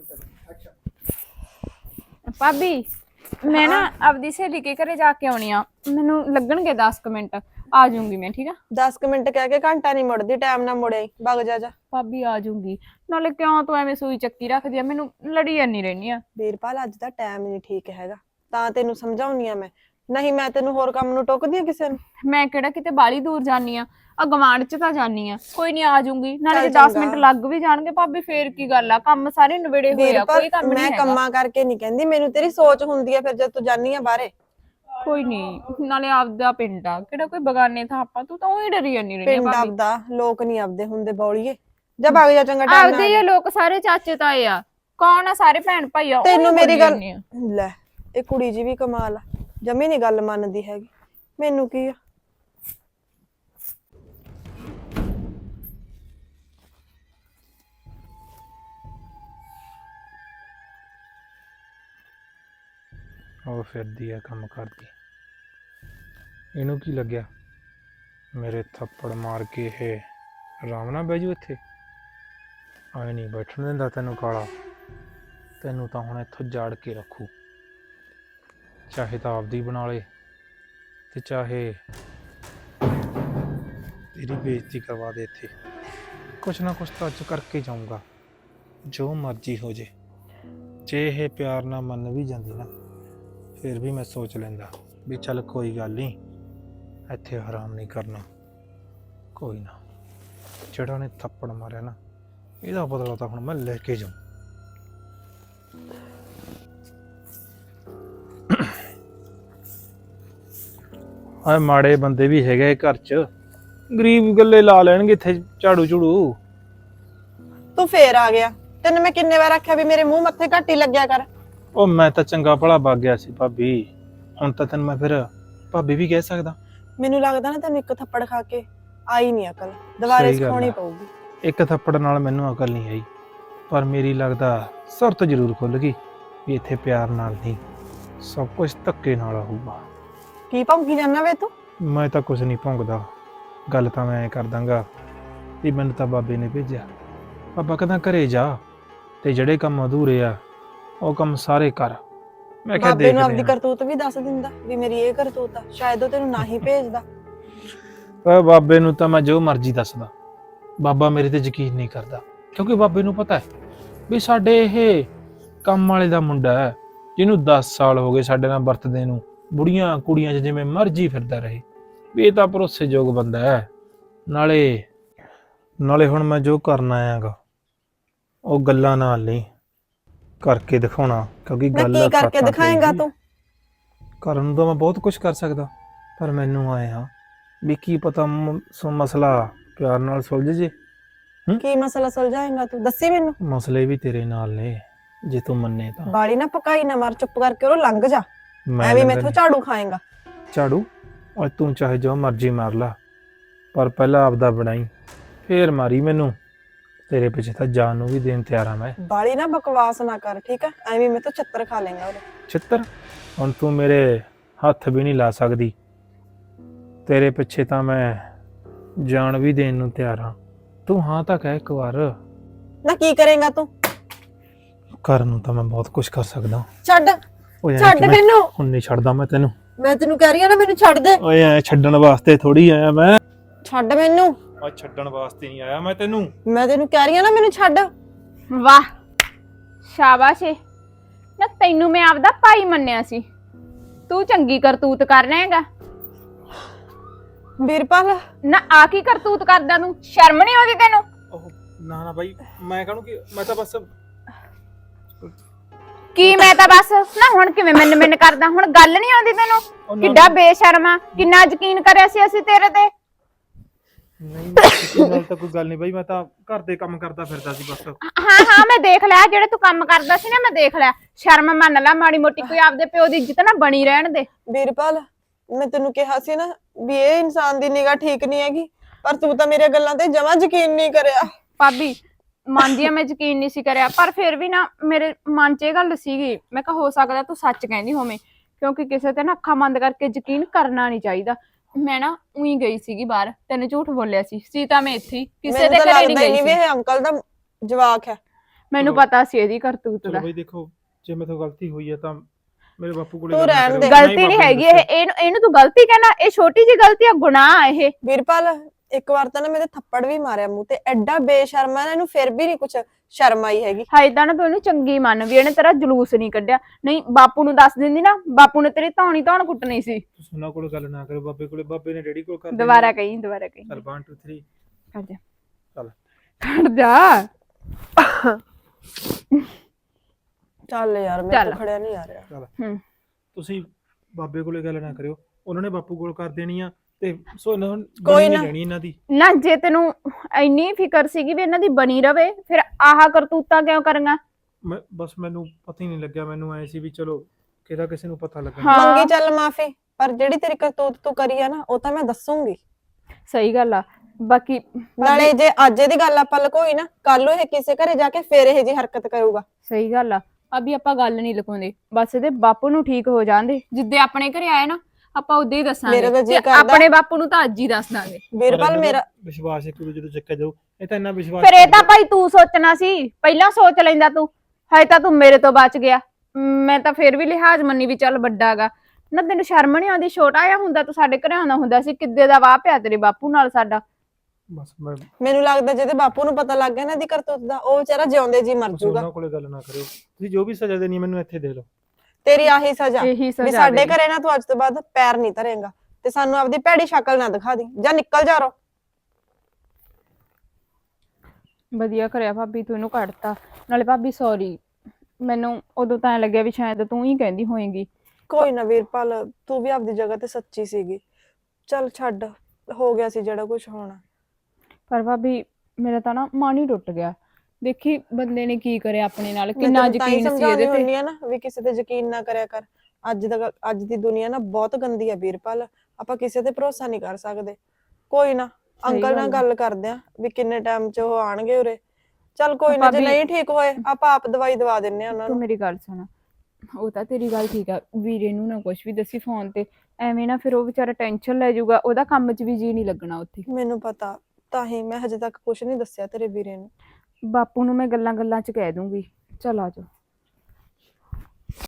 Speaker 3: ਭਾਬੀ ਮੈਂ ਨਾ ਆਪਦੀ ਸਹੇਲੀ ਕੇ ਘਰੇ ਜਾ ਕੇ ਆਉਣੀ ਆ, ਮੈਨੂੰ ਲੱਗਣਗੇ 10 ਕੁ ਮਿੰਟ, ਆ ਜਾਊਂਗੀ ਮੈਂ। ਠੀਕ ਆ
Speaker 1: 10 ਮਿੰਟ ਕਹਿ ਕੇ ਘੰਟਾ ਨਹੀਂ ਮੁੜਦੀ, ਟਾਈਮ ਨਾ ਮੁੜਿਆ ਵਗ ਜਾ।
Speaker 3: ਭਾਬੀ ਆ ਜਾਊਂਗੀ। ਨਾਲੇ ਕਿਉਂ ਤੂੰ ਐਵੇਂ ਸੂਈ ਚੱਕੀ ਰੱਖਦੀ ਆ, ਮੈਨੂੰ ਲੜੀ ਜਾਂਦੀ ਰਹਿਨੀ ਆ।
Speaker 1: ਵੀਰਪਾਲ ਅੱਜ ਦਾ ਟਾਈਮ ਨਹੀਂ ਠੀਕ ਹੈਗਾ, ਤਾਂ ਤੈਨੂੰ ਸਮਝਾਉਣੀ ਆ ਮੈਂ। ਨਹੀਂ ਮੈਂ ਤੈਨੂੰ ਹੋਰ ਕੰਮ ਨੂੰ ਟੋਕਦੀ ਆ ਕਿਸੇ ਨੂੰ।
Speaker 3: ਮੈਂ ਕਿਹੜਾ ਕਿਤੇ ਬਾਹਲੀ ਦੂਰ ਜਾਨੀ ਆ ਗਵਾਂਢ ਚ ਤਾਂ ਜਾਨੀ ਆ। ਕੋਈ ਨਹੀਂ ਆ ਜਾਊਂਗੀ, ਨਾਲੇ
Speaker 1: ਚੱਲ
Speaker 3: 10
Speaker 1: ਚੰਗਾ।
Speaker 3: ਮਿੰਟ ਲੱਗ ਵੀ ਜਾਣਗੇ ਭਾਬੀ, ਫੇਰ ਕੀ ਗੱਲ ਆ, ਕੰਮ ਸਾਰੇ ਨਵੇੜੇ ਹੋਏ ਆ,
Speaker 1: ਵੀਰਪਾਲ
Speaker 3: ਕੋਈ ਕੰਮ ਨਹੀਂ
Speaker 1: ਮੈਂ
Speaker 3: ਹੈਗਾ।
Speaker 1: ਕੰਮਾਂ ਕਰਕੇ ਨਹੀਂ ਕਹਿੰਦੀ, ਮੈਨੂੰ ਤੇਰੀ ਸੋਚ ਹੁੰਦੀ ਆ ਫਿਰ ਜਦ ਤੂੰ ਜਾਨੀ ਆ ਬਾਹਰੇ।
Speaker 3: ਕੋਈ ਨਹੀਂ, ਨਾਲੇ ਆਪਦਾ ਪਿੰਡ ਆ, ਕਿਹੜਾ ਕੋਈ ਬਗਾਨੇ ਥਾਂ ਆਪਾਂ, ਤੂੰ ਤਾਂ ਉਹੀ ਡਰੀ ਜਾਂਦੀ ਰਹਿੰਦੀ ਆ
Speaker 1: ਪਿੰਡ
Speaker 3: ਭਾਬੀ।
Speaker 1: ਆਪਦਾ, ਲੋਕ ਨਹੀਂ ਆਪਦੇ ਹੁੰਦੇ ਬੌਲੀਏ। ਜਾ ਵਗ ਜਾ ਚੰਗਾ ਟਾਈਮ
Speaker 3: ਆਪਦੇ ਹੀ ਆ ਲੋਕ, ਸਾਰੇ ਚਾਚੇ ਤਾਏ ਆ, ਕੌਣ ਆ, ਸਾਰੇ ਭੈਣ ਭਾਈ ਆ।
Speaker 1: ਤੈਨੂੰ
Speaker 3: ਉਹਨੂੰ
Speaker 1: ਮੇਰੀ
Speaker 3: ਬੋਲੀ
Speaker 1: ਗੱਲ
Speaker 3: ਜਾਂਦੀ ਆ।
Speaker 1: ਲੈ, ਇਹ ਕੁੜੀ ਜੀ ਵੀ ਕਮਾਲ ਆ, ਜਮੀ ਨਹੀਂ ਗੱਲ ਮੰਨਦੀ ਹੈਗੀ। ਮੈਨੂੰ ਕੀ ਆ।
Speaker 2: ਉਹ ਫਿਰਦੀ ਆ ਕੰਮ ਕਰਦੀ। ਇਹਨੂੰ ਕੀ ਲੱਗਿਆ ਮੇਰੇ ਥੱਪੜ ਮਾਰ ਕੇ ਇਹ ਆਰਾਮ ਨਾਲ ਬਹਿ ਜੂ ਇੱਥੇ? ਆਏ ਨਹੀਂ ਬੈਠਣ ਦਿੰਦਾ ਤੈਨੂੰ ਕਾਲਾ। ਤੈਨੂੰ ਤਾਂ ਹੁਣ ਇੱਥੋਂ ਜਾੜ ਕੇ ਰੱਖੂ, ਚਾਹੇ ਤਾਂ ਆਪਦੀ ਬਣਾ ਲੇ ਤੇ ਚਾਹੇ ਤੇਰੀ ਬੇਇੱਜ਼ਤੀ ਕਰਵਾ ਦੇ ਇੱਥੇ। ਕੁਛ ਨਾ ਕੁਛ ਤਾਂ ਅੱਜ ਕਰਕੇ ਜਾਊਂਗਾ, ਜੋ ਮਰਜ਼ੀ ਹੋ ਜੇ। ਜੇ ਇਹ ਪਿਆਰ ਨਾਲ ਮੰਨ ਵੀ ਜਾਂਦੀ ਨਾ, ਫਿਰ ਵੀ ਮੈਂ ਸੋਚ ਲੈਂਦਾ ਵੀ ਚੱਲ ਕੋਈ ਗੱਲ ਨਹੀਂ, ਇੱਥੇ ਹਰਾਮ ਨਹੀਂ ਕਰਨਾ। ਕੋਈ ਨਾ, ਜਿਹੜਾ ਉਹਨੇ ਥੱਪੜ ਮਾਰਿਆ ਨਾ, ਇਹਦਾ ਬਦਲਾ ਤਾਂ ਹੁਣ ਮੈਂ ਲੈ ਕੇ ਜਾਊਂ। ਆਹ ਮਾੜੇ ਬੰਦੇ ਵੀ ਹੈਗੇ ਘਰ 'ਚ, ਗਰੀਬ ਗੱਲੇ ਲਾ ਲੈਣਗੇ ਇੱਥੇ ਝਾੜੂ ਝੂੜੂ।
Speaker 1: ਤੂੰ ਫੇਰ ਆ ਗਿਆ, ਤੈਨੂੰ ਮੈਂ ਕਿੰਨੇ ਵਾਰ ਆਖਿਆ ਵੀ ਮੇਰੇ ਮੂੰਹ ਮੱਥੇ ਘੱਟ ਹੀ ਲੱਗਿਆ ਕਰ।
Speaker 2: ਉਹ ਮੈਂ ਤਾਂ ਚੰਗਾ ਭਲਾ ਵਗ ਗਿਆ ਸੀ ਭਾਬੀ, ਹੁਣ ਤਾਂ ਤੈਨੂੰ ਮੈਂ ਫਿਰ ਭਾਬੀ ਵੀ ਕਹਿ ਸਕਦਾ।
Speaker 1: ਮੈਨੂੰ ਲੱਗਦਾ ਨਾ ਤੈਨੂੰ ਇੱਕ ਥੱਪੜ ਖਾ ਕੇ ਆਈ ਨਹੀਂ ਅਕਲ, ਦੁਬਾਰੇ
Speaker 2: ਸਹੀ ਗੱਲ
Speaker 1: ਸਿਖਾਉਣੀ
Speaker 2: ਆ।
Speaker 1: ਪਊਗੀ।
Speaker 2: ਇੱਕ ਥੱਪੜ ਨਾਲ ਮੈਨੂੰ ਅਕਲ ਨਹੀਂ ਆਈ, ਪਰ ਮੇਰੀ ਲੱਗਦਾ ਸੁਰਤ ਜ਼ਰੂਰ ਖੁੱਲ ਗਈ ਵੀ ਇੱਥੇ ਪਿਆਰ ਨਾਲ ਨਹੀਂ, ਸਭ ਕੁਝ ਧੱਕੇ ਨਾਲ ਆਊਗਾ।
Speaker 1: ਕੀ ਭੌਂਕੀ ਜਾਂਦਾ ਵੇ ਤੂੰ?
Speaker 2: ਮੈਂ ਤਾਂ ਕੁਝ ਨਹੀਂ ਭੌਂਕਦਾ, ਗੱਲ ਤਾਂ ਮੈਂ ਐਂ ਕਰ ਦਾਂਗਾ ਵੀ ਮੈਨੂੰ ਤਾਂ ਬਾਬੇ ਨੇ ਭੇਜਿਆ। ਬਾਬਾ ਕਹਿੰਦਾ ਘਰੇ ਜਾ ਤੇ ਜਿਹੜੇ ਕੰਮ ਅਧੂਰੇ ਆ ਉਹ ਕੰਮ ਸਾਰੇ ਕਰ। ਮੈਂ ਕਿਹਾ
Speaker 1: ਬਾਬੇ ਨੂੰ ਆਪਦੀ
Speaker 2: ਦੇਖਦੇ
Speaker 1: ਕਰਤੂਤ ਵੀ ਦੱਸ ਦਿੰਦਾ ਵੀ ਮੇਰੀ ਇਹ ਕਰਤੂਤ ਆ, ਸ਼ਾਇਦ ਉਹ ਤੈਨੂੰ ਨਾ ਹੀ ਭੇਜਦਾ।
Speaker 2: ਆ ਬਾਬੇ ਨੂੰ ਤਾਂ ਮੈਂ ਜੋ ਮਰਜ਼ੀ ਦੱਸਦਾ, ਬਾਬਾ ਮੇਰੇ ਤੇ ਯਕੀਨ ਨਹੀਂ ਕਰਦਾ, ਕਿਉਂਕਿ ਬਾਬੇ ਨੂੰ ਪਤਾ ਹੈ ਵੀ ਸਾਡੇ ਇਹ ਕੰਮ ਵਾਲੇ ਦਾ ਮੁੰਡਾ ਹੈ, ਜਿਹਨੂੰ 10 ਸਾਲ ਹੋ ਗਏ ਸਾਡੇ ਨਾਲ ਵਰਤਦੇ ਨੂੰ, ਬੁੜੀਆਂ ਕੁੜੀਆਂ 'ਚ ਜਿਵੇਂ ਮਰਜ਼ੀ ਫਿਰਦਾ ਰਹੇ, ਵੀ ਇਹ ਤਾਂ ਭਰੋਸੇਯੋਗ ਬੰਦਾ ਹੈ। ਨਾਲੇ ਹੁਣ ਮੈਂ ਜੋ ਕਰਨ ਆਇਆਗਾ ਉਹ ਗੱਲਾਂ ਨਾਲ ਨਹੀਂ ਕਰਕੇ ਦਿਖਾਉਣਾ, ਕਿਉਂਕਿ
Speaker 1: ਮੈਂ
Speaker 2: ਗੱਲ
Speaker 1: ਕੀ ਕਰਕੇ
Speaker 2: ਖਾਤਾਂ ਤੇ
Speaker 1: ਦਿਖਾਏਗਾ
Speaker 2: ਹੈਗੀ।
Speaker 1: ਤੂੰ?
Speaker 2: ਕਰਨ ਨੂੰ ਤਾਂ ਮੈਂ ਬਹੁਤ ਕੁਝ ਕਰ ਸਕਦਾ, ਪਰ ਮੈਨੂੰ ਆਇਆ ਵੀ ਕੀ ਪਤਾ ਮਸਲਾ ਪਿਆਰ ਨਾਲ ਸੁਲਝ ਜੇ।
Speaker 1: ਕੀ ਮਸਲਾ ਸੁਲਝਾਏਗਾ ਤੂੰ? ਦੱਸੀ ਮੈਨੂੰ।
Speaker 2: ਮਸਲੇ ਵੀ ਤੇਰੇ ਨਾਲ ਨੇ, ਜੇ ਤੂੰ ਮੰਨੇ ਤਾਂ।
Speaker 1: ਬਾਲੀ ਨਾ ਪਕਾਈ ਨਾ ਮਾਰ, ਚੁੱਪ ਕਰਕੇ ਉਹ ਲੰਘ ਜਾ,
Speaker 2: ਮੈਂ
Speaker 1: ਐਵੇਂ
Speaker 2: ਲੰਘਣ-
Speaker 1: ਮੈਥੋਂ ਝਾੜੂ ਖਾਏਗਾ।
Speaker 2: ਝਾੜੂ ਔਰ ਤੂੰ ਚਾਹੇ ਜੋ ਮਰਜ਼ੀ ਮਾਰ ਲਾ, ਪਰ ਪਹਿਲਾਂ ਆਪਦਾ ਬਣਾਈ ਫੇਰ ਮਾਰੀ ਮੈਨੂੰ। ਤੇਰੇ ਪਿੱਛੇ ਤਾਂ ਜਾਨ ਨੂੰ ਵੀ ਦੇਣ ਤਿਆਰ ਆ ਮੈਂ।
Speaker 1: ਬਾਲੀ ਨਾ ਬਕਵਾਸ ਨਾ ਕਰ, ਠੀਕ ਆ? ਐਵੇਂ ਮੈਥੋਂ ਛੱਤਰ ਖਾ ਲੇਗਾ ਉਹਦੇ।
Speaker 2: ਛਿੱਤਰ? ਹੁਣ ਤੂੰ ਮੇਰੇ ਹੱਥ ਵੀ ਨਹੀਂ ਲਾ ਸਕਦੀ, ਤੇਰੇ ਪਿੱਛੇ ਤਾਂ ਮੈਂ ਜਾਨ ਵੀ ਦੇਣ ਨੂੰ ਤਿਆਰ ਹਾਂ। ਤੂੰ ਹਾਂ ਤਾਂ ਕਹਿ ਇੱਕ ਵਾਰ।
Speaker 1: ਨਾ ਕੀ ਕਰੇਗਾ ਤੂੰ?
Speaker 2: ਕਰਨ ਨੂੰ ਤਾਂ ਮੈਂ ਬਹੁਤ ਕੁਝ ਕਰ ਸਕਦਾ।
Speaker 1: ਛੱਡ
Speaker 2: ਉਹ ਯਾਰ
Speaker 1: ਛੱਡ
Speaker 2: ਕਿ ਮੈਂ
Speaker 1: ਮੈਨੂੰ।
Speaker 2: ਹੁਣ ਨਹੀਂ ਛੱਡਦਾ ਮੈਂ ਤੈਨੂੰ।
Speaker 1: ਮੈਂ ਤੈਨੂੰ ਕਹਿ ਰਹੀ ਆ ਨਾ ਮੈਨੂੰ ਛੱਡ ਦੇ।
Speaker 2: ਓਏ ਐ ਛੱਡਣ ਵਾਸਤੇ ਥੋੜੀ ਆਇਆ ਮੈਂ।
Speaker 1: ਛੱਡ ਮੈਨੂੰ।
Speaker 2: ਓ ਛੱਡਣ ਵਾਸਤੇ ਨਹੀਂ ਆਇਆ ਮੈਂ ਤੈਨੂੰ।
Speaker 1: ਮੈਂ ਤੈਨੂੰ ਕਹਿ ਰਹੀ ਆ ਨਾ ਮੈਨੂੰ ਛੱਡ।
Speaker 3: ਵਾਹ ਸ਼ਾਬਾਸ਼ ਏ। ਨਾ ਤੈਨੂੰ ਮੈਂ ਆਪਦਾ ਭਾਈ ਮੰਨਿਆ ਸੀ, ਤੂੰ ਚੰਗੀ ਕਰਤੂਤ ਕਰ ਰਿਹਾ ਹੈਗਾ।
Speaker 1: ਵੀਰਪਾਲ
Speaker 3: ਨਾ ਆ ਕੀ ਕਰਤੂਤ ਕਰਦਾ ਤੂੰ, ਸ਼ਰਮ ਨਹੀਂ ਆਉਂਦੀ ਤੈਨੂੰ?
Speaker 2: ਉਹ ਨਾ ਨਾ ਬਾਈ, ਮੈਂ ਕਹਣੂ ਕਿ ਮੈਂ ਤਾਂ ਬਸ
Speaker 3: ਕੀ ਮੈਂ ਤਾਂ ਬਸ ਨਾ ਹੁਣ ਕਿਵੇਂ ਮੈਨੂੰ ਕਰਦਾ, ਹੁਣ ਗੱਲ ਨਹੀਂ ਆਉਂਦੀ ਤੈਨੂੰ? ਕਿੱਡਾ ਬੇਸ਼ਰਮ ਆ, ਕਿੰਨਾ ਯਕੀਨ ਕਰਿਆ ਸੀ ਅਸੀਂ ਤੇਰੇ ਤੇ।
Speaker 2: ਨਹੀਂ ਕਿਸੇ ਨਾਲ ਤਾਂ ਕੋਈ ਗੱਲ ਨਹੀਂ ਬਾਈ, ਮੈਂ ਤਾਂ ਘਰ ਦੇ ਕੰਮ ਕਰਦਾ ਫਿਰਦਾ ਸੀ ਬਸ।
Speaker 3: ਹਾਂ ਮੈਂ ਦੇਖ ਲਿਆ, ਜਿਹੜੇ ਤੂੰ ਕੰਮ ਕਰਦਾ ਸੀ ਨਾ ਮੈਂ ਦੇਖ ਲਿਆ। ਸ਼ਰਮ ਮੰਨ ਲੈ ਮਾੜੀ ਮੋਟੀ, ਕੋਈ ਆਪਦੇ ਪਿਓ ਦੀ ਇੱਜ਼ਤ ਨਾ ਬਣੀ ਰਹਿਣ ਦੇ।
Speaker 1: ਵੀਰਪਾਲ ਮੈਂ ਤੈਨੂੰ ਕਿਹਾ ਸੀ ਨਾ ਵੀ ਇਹ ਇਨਸਾਨ ਦੀ ਨਿਗਾਹ ਠੀਕ ਨਹੀਂ ਹੈਗੀ, ਪਰ ਤੂੰ ਤਾਂ ਮੇਰੀਆਂ ਗੱਲਾਂ ਤੇ ਜਮਾਂ ਯਕੀਨ ਨਹੀਂ ਕਰਿਆ।
Speaker 3: ਭਾਬੀ ਮੰਨਦੀ ਆ ਮੈਂ ਯਕੀਨ ਨਹੀਂ ਸੀ ਕਰਿਆ, ਪਰ ਫਿਰ ਵੀ ਨਾ ਮੇਰੇ ਮਨ 'ਚ ਇਹ ਗੱਲ ਸੀਗੀ, ਮੈਂ ਕਿਹਾ ਹੋ ਸਕਦਾ ਤੂੰ ਸੱਚ ਕਹਿੰਦੀ ਹੋਵੇਂ, ਕਿਉਂਕਿ ਕਿਸੇ ਤੇ ਨਾ ਅੱਖਾਂ ਬੰਦ ਕਰਕੇ ਯਕੀਨ ਕਰਨਾ ਨਹੀਂ ਚਾਹੀਦਾ। ਮੈਂ ਨਾ ਉਹੀ ਗਈ ਸੀਗੀ ਬਾਹਰ, ਤੈਨੂੰ ਝੂਠ ਬੋਲਿਆ ਸੀ ਤਾਂ ਮੈਂ ਇੱਥੇ ਹੀ ਕਿਸੇ ਦੇ
Speaker 1: ਮੈਨੂੰ ਤਾਂ
Speaker 3: ਘਰੇ ਨਹੀਂ
Speaker 1: ਲੱਗਦਾ ਹੀ
Speaker 3: ਗਈ
Speaker 1: ਨਹੀਂ ਵੀ
Speaker 3: ਸੀ।
Speaker 1: ਇਹ ਅੰਕਲ ਦਾ ਜਵਾਕ ਹੈ।
Speaker 3: ਮੈਨੂੰ ਪਤਾ ਸੀ ਇਹਦੀ ਕਰਤੂਤ
Speaker 2: ਚਲੋ
Speaker 3: ਦਾ।
Speaker 2: ਬਾਈ ਦੇਖੋ, ਜੇ ਮੇਥੋਂ ਗਲਤੀ ਹੋਈ ਹੈ ਤਾਂ ਮੇਰੇ ਬਾਪੂ ਕੋਲੇ
Speaker 1: ਤੂੰ
Speaker 2: ਗੱਲ ਨਾ
Speaker 1: ਰਹਿਣ
Speaker 2: ਕਰਿਓ।
Speaker 1: ਦੇ।
Speaker 3: ਗਲਤੀ ਨਹੀਂ ਹੈਗੀ ਇਹ, ਇਹਨੂੰ ਤੂੰ ਗਲਤੀ ਕਹਿਣਾ, ਇਹ ਛੋਟੀ ਜੀ ਗਲਤੀ ਆ, ਗੁਨਾਹ ਇਹ।
Speaker 1: ਵੀਰਪਾਲ ਇੱਕ ਵਾਰ ਤਾਂ ਨਾ ਮੇਰੇ ਥੱਪੜ ਵੀ ਮਾਰਿਆ ਮੂੰਹ ਤੇ, ਐਡਾ ਬੇਸ਼ਰਮ ਹੈ ਨਾ, ਇਹਨੂੰ ਫਿਰ ਵੀ ਨਹੀਂ ਕੁਛ ਸ਼ਰਮ ਆਈ ਹੈਗੀ।
Speaker 3: ਹਾਏ ਤਾਂ ਨਾ ਤੂੰ ਇਹਨੂੰ ਚੰਗੀ ਮੰਨ ਵੀ ਇਹਨੇ ਤੇਰਾ ਜਲੂਸ ਨਹੀਂ ਕੱਢਿਆ, ਨਹੀਂ ਬਾਪੂ ਨੂੰ ਦੱਸ ਦਿੰਦੀ ਨਾ, ਬਾਪੂ ਨੇ ਤੇਰੀ ਧੌਣ ਕੁੱਟਣੀ ਸੀ।
Speaker 2: ਤੁਸੀਂ ਉਹਨਾਂ ਕੋਲ ਗੱਲ ਨਾ ਕਰੋ ਬਾਬੇ ਕੋਲੇ, ਬਾਬੇ ਨੇ ਡੈਡੀ ਕੋਲ ਕਰ ਦੇਣੀ।
Speaker 3: ਦੁਬਾਰਾ ਕਹੀਂ
Speaker 2: ਚੱਲ 1 2 3
Speaker 3: ਕਰ ਜਾ,
Speaker 2: ਚੱਲ
Speaker 3: ਕਰ ਜਾ।
Speaker 1: ਚੱਲ ਯਾਰ
Speaker 3: ਚੱਲ।
Speaker 1: ਮੇਰੇ ਤੋਂ ਖੜਿਆ ਨਹੀਂ ਆ ਰਿਹਾ।
Speaker 2: ਚੱਲ
Speaker 3: ਹੂੰ
Speaker 2: ਤੁਸੀਂ ਬਾਬੇ ਕੋਲੇ ਗੱਲ ਨਾ ਕਰਿਓ, ਉਹਨਾਂ ਨੇ ਬਾਪੂ ਕੋਲ ਕਰ ਦੇਣੀ ਆ ਤੇ ਸੋ
Speaker 1: ਕੋਈ ਨਾ।
Speaker 2: ਲੈਣੀ ਇਹਨਾਂ ਦੀ।
Speaker 3: ਨਾ ਜੇ ਤੈਨੂੰ ਇੰਨੀ ਫਿਕਰ ਸੀਗੀ ਵੀ ਇਹਨਾਂ ਦੀ ਬਣੀ ਰਵੇ, ਫਿਰ ਆਹ ਕਰਤੂਤਾਂ ਕਿਉਂ ਕਰਾਂਗਾ?
Speaker 2: ਮੈਂ ਬਸ ਮੈਨੂੰ ਪਤਾ ਹੀ ਨਹੀਂ ਲੱਗਿਆ, ਮੈਨੂੰ ਐ ਸੀ ਵੀ ਚਲੋ ਕਿਹਦਾ ਕਿਸੇ ਨੂੰ ਪਤਾ ਲੱਗਣਾ।
Speaker 3: ਹਾਂ।
Speaker 1: ਮੰਗੀ ਚੱਲ ਮਾਫੀ, ਪਰ ਜਿਹੜੀ ਤੇਰੀ ਕਰਤੂਤ ਤੂੰ ਕਰੀ ਆ ਨਾ ਉਹ ਤਾਂ ਮੈਂ ਦੱਸੂਗੀ।
Speaker 3: ਸਹੀ ਗੱਲ ਆ। ਬਾਕੀ
Speaker 1: ਨਾਲੇ ਜੇ ਅੱਜ ਇਹਦੀ ਗੱਲ ਆਪਾਂ ਲਕੋਈ ਨਾ, ਕੱਲ ਨੂੰ ਇਹ ਕਿਸੇ ਘਰੇ ਜਾ ਕੇ ਫੇਰ ਇਹ ਜੀ ਹਰਕਤ ਕਰੂਗਾ।
Speaker 3: ਸਹੀ ਗੱਲ ਆ। ਅਭੀ ਆਪਾਂ ਗੱਲ ਨਹੀਂ ਲੁਕਾਉਂਦੇ, ਬਸ ਇਹਦੇ ਬਾਪੂ ਨੂੰ ਠੀਕ ਹੋ ਜਾਂਦੇ, ਜਿੱਦੇ ਆਪਣੇ ਘਰੇ ਆਏ ਨਾ ਆਪਾਂ ਉਦੋਂ ਹੀ
Speaker 1: ਮੇਰਾ
Speaker 3: ਦੱਸਾਂਗੇ,
Speaker 1: ਤਾਂ ਜੀ
Speaker 3: ਤੇ
Speaker 1: ਕਰਦਾ-
Speaker 3: ਆਪਣੇ ਬਾਪੂ ਨੂੰ ਤਾਂ ਅੱਜ ਹੀ ਦੱਸ ਦਾਂਗੇ।
Speaker 1: ਵੀਰਪਾਲ ਮੇਰਾ
Speaker 2: ਵਿਸ਼ਵਾਸ ਇੱਕ ਦੂਜੇ ਤੋਂ ਚੱਕਿਆ ਜਾਊ, ਇਹ ਤਾਂ ਇੰਨਾ ਵਿਸ਼ਵਾਸ
Speaker 3: ਫਿਰ ਇਹ ਤਾਂ ਭਾਈ ਤੂੰ ਸੋਚਣਾ ਸੀ, ਪਹਿਲਾਂ ਸੋਚ ਲੈਂਦਾ ਤੂੰ, ਹਜੇ ਤਾਂ ਤੂੰ ਮੇਰੇ ਤੋਂ ਬਚ ਗਿਆ। ਮੈਂ ਤਾਂ ਫਿਰ ਵੀ ਲਿਹਾਜ਼ ਮੰਨੀ ਵੀ ਚੱਲ ਵੱਡਾ ਗਾ ਨਾ, ਤੈਨੂੰ ਸ਼ਰਮ ਨਹੀਂ ਆਉਂਦੀ? ਛੋਟਾ ਜਿਹਾ ਹੁੰਦਾ ਤੂੰ ਸਾਡੇ ਘਰੇ ਆਉਂਦਾ ਹੁੰਦਾ ਸੀ, ਕਿੱਦੇ ਦਾ ਵਾਹ ਪਿਆ ਤੇਰੇ ਬਾਪੂ ਨਾਲ ਸਾਡਾ।
Speaker 2: ਬਸ ਮੈਂ
Speaker 1: ਮੈਨੂੰ ਲੱਗਦਾ ਜਿਹਦੇ ਬਾਪੂ ਨੂੰ ਪਤਾ ਲੱਗ ਗਿਆ ਨਾ ਇਹਦੀ ਕਰਤੂਤ ਦਾ, ਉਹ ਵਿਚਾਰਾ ਜਿਉਂਦੇ ਜੀ ਮਰ
Speaker 2: ਤੁਸੀਂ
Speaker 1: ਜਾਊਗਾ।
Speaker 2: ਉਹਨਾਂ ਕੋਲੇ ਗੱਲ ਨਾ ਕਰਿਓ, ਤੁਸੀਂ ਜੋ ਵੀ ਸਜ਼ਾ ਦੇਣੀ ਹੈ ਮੈਨੂੰ ਇੱਥੇ ਦੇ ਲਓ।
Speaker 1: ਤੇਰੀ ਆਹੀ ਸਜ਼ਾ
Speaker 3: ਇਹੀ
Speaker 1: ਵੀ
Speaker 3: ਸਜ਼ਾ
Speaker 1: ਸਾਡੇ
Speaker 3: ਦੇ।
Speaker 1: ਘਰੇ ਨਾ ਤੂੰ ਅੱਜ ਤੋਂ ਬਾਅਦ ਪੈਰ ਨਹੀਂ ਧਰੇਂਗਾ, ਤੇ ਸਾਨੂੰ ਆਪਦੀ ਭੈੜੀ ਸ਼ਕਲ ਨਾ ਦਿਖਾ ਦੀ, ਜਾਂ ਨਿਕਲ ਜਾ ਰੋ।
Speaker 3: ਵਧੀਆ ਕਰਿਆ ਭਾਬੀ, ਤੂੰ ਇਹਨੂੰ ਕੱਢਤਾ। ਨਾਲੇ ਭਾਬੀ ਸੌਰੀ, ਮੈਨੂੰ ਉਦੋਂ ਤਾਂ ਐਂ ਲੱਗਿਆ ਵੀ ਸ਼ਾਇਦ ਤੂੰ ਹੀ ਕਹਿੰਦੀ ਹੋਏਗੀ।
Speaker 1: ਕੋਈ ਨਾ ਵੀਰਪਾਲ, ਤੂੰ ਵੀ ਆਪਦੀ ਜਗ੍ਹਾ ਤੇ ਸੱਚੀ ਸੀਗੀ। ਚੱਲ ਛੱਡ, ਹੋ ਗਿਆ ਸੀ ਜਿਹੜਾ ਕੁਝ ਹੋਣਾ।
Speaker 3: ਪਰ ਭਾਬੀ ਮੇਰਾ ਤਾਂ ਨਾ ਮਨ ਹੀ ਟੁੱਟ ਗਿਆ, ਦੇਖੀ ਬੰਦੇ ਨੇ ਕੀ ਕਰਿਆ ਆਪਣੇ ਨਾਲ,
Speaker 1: ਮੈਂ
Speaker 3: ਕਿੰਨਾ
Speaker 1: ਤੈਨੂੰ ਤਾਂ ਹੀ
Speaker 3: ਯਕੀਨ ਸੀ
Speaker 1: ਸਮਝਾਉਂਦੀ
Speaker 3: ਇਹਦੇ ਤੇ।
Speaker 1: ਹੁੰਦੀ ਆ ਨਾ ਵੀ ਕਿਸੇ ਤੇ ਯਕੀਨ ਨਾ ਕਰਿਆ ਕਰ। ਅੱਜ ਦੀ ਦੁਨੀਆ ਨਾ ਬਹੁਤ ਗੰਦੀ ਆ ਵੀਰਪਾਲ, ਆਪਾਂ ਕਿਸੇ ਤੇ ਭਰੋਸਾ ਨਹੀਂ ਕਰ ਸਕਦੇ। ਕੋਈ ਨਾ, ਅੰਕਲ ਨਾਲ ਗੱਲ ਕਰਦੇ ਆ ਵੀ ਕਿੰਨੇ ਟਾਈਮ 'ਚ ਉਹ ਆਣਗੇ ਉਰੇ। ਚੱਲ ਕੋਈ ਨਾ, ਜੇ
Speaker 3: ਭਾਬੀ-
Speaker 1: ਨਹੀਂ ਠੀਕ ਹੋਏ ਆਪਾਂ ਆਪ ਦਵਾਈ ਦਵਾ ਦਿੰਨੇ ਆ ਉਹਨਾਂ
Speaker 3: ਤੂੰ
Speaker 1: ਨੂੰ।
Speaker 3: ਮੇਰੀ ਗੱਲ ਸੁਣ, ਉਹ ਤਾਂ ਤੇਰੀ ਗੱਲ ਠੀਕ ਆ, ਵੀਰੇ ਨੂੰ ਨਾ ਕੁਝ ਵੀ ਦੱਸੀ ਫੋਨ ਤੇ, ਐਵੇਂ ਨਾ ਫਿਰ ਉਹ ਵਿਚਾਰਾ ਟੈਨਸ਼ਨ ਲੈ ਜਾਊਗਾ, ਉਹਦਾ ਕੰਮ 'ਚ ਵੀ ਜੀ ਨਹੀਂ ਲੱਗਣਾ ਉੱਥੇ।
Speaker 1: ਮੈਨੂੰ ਪਤਾ, ਤਾਂ ਹੀ ਮੈਂ ਹਜੇ ਤੱਕ ਕੁਝ ਨਹੀਂ ਦੱਸਿਆ ਤੇਰੇ ਵੀਰੇ ਨੂੰ।
Speaker 3: ਬਾਪੂ ਨੂੰ ਮੈਂ ਗੱਲਾਂ 'ਚ ਕਹਿ ਦੂੰਗੀ। ਚੱਲ ਆ ਜਾ।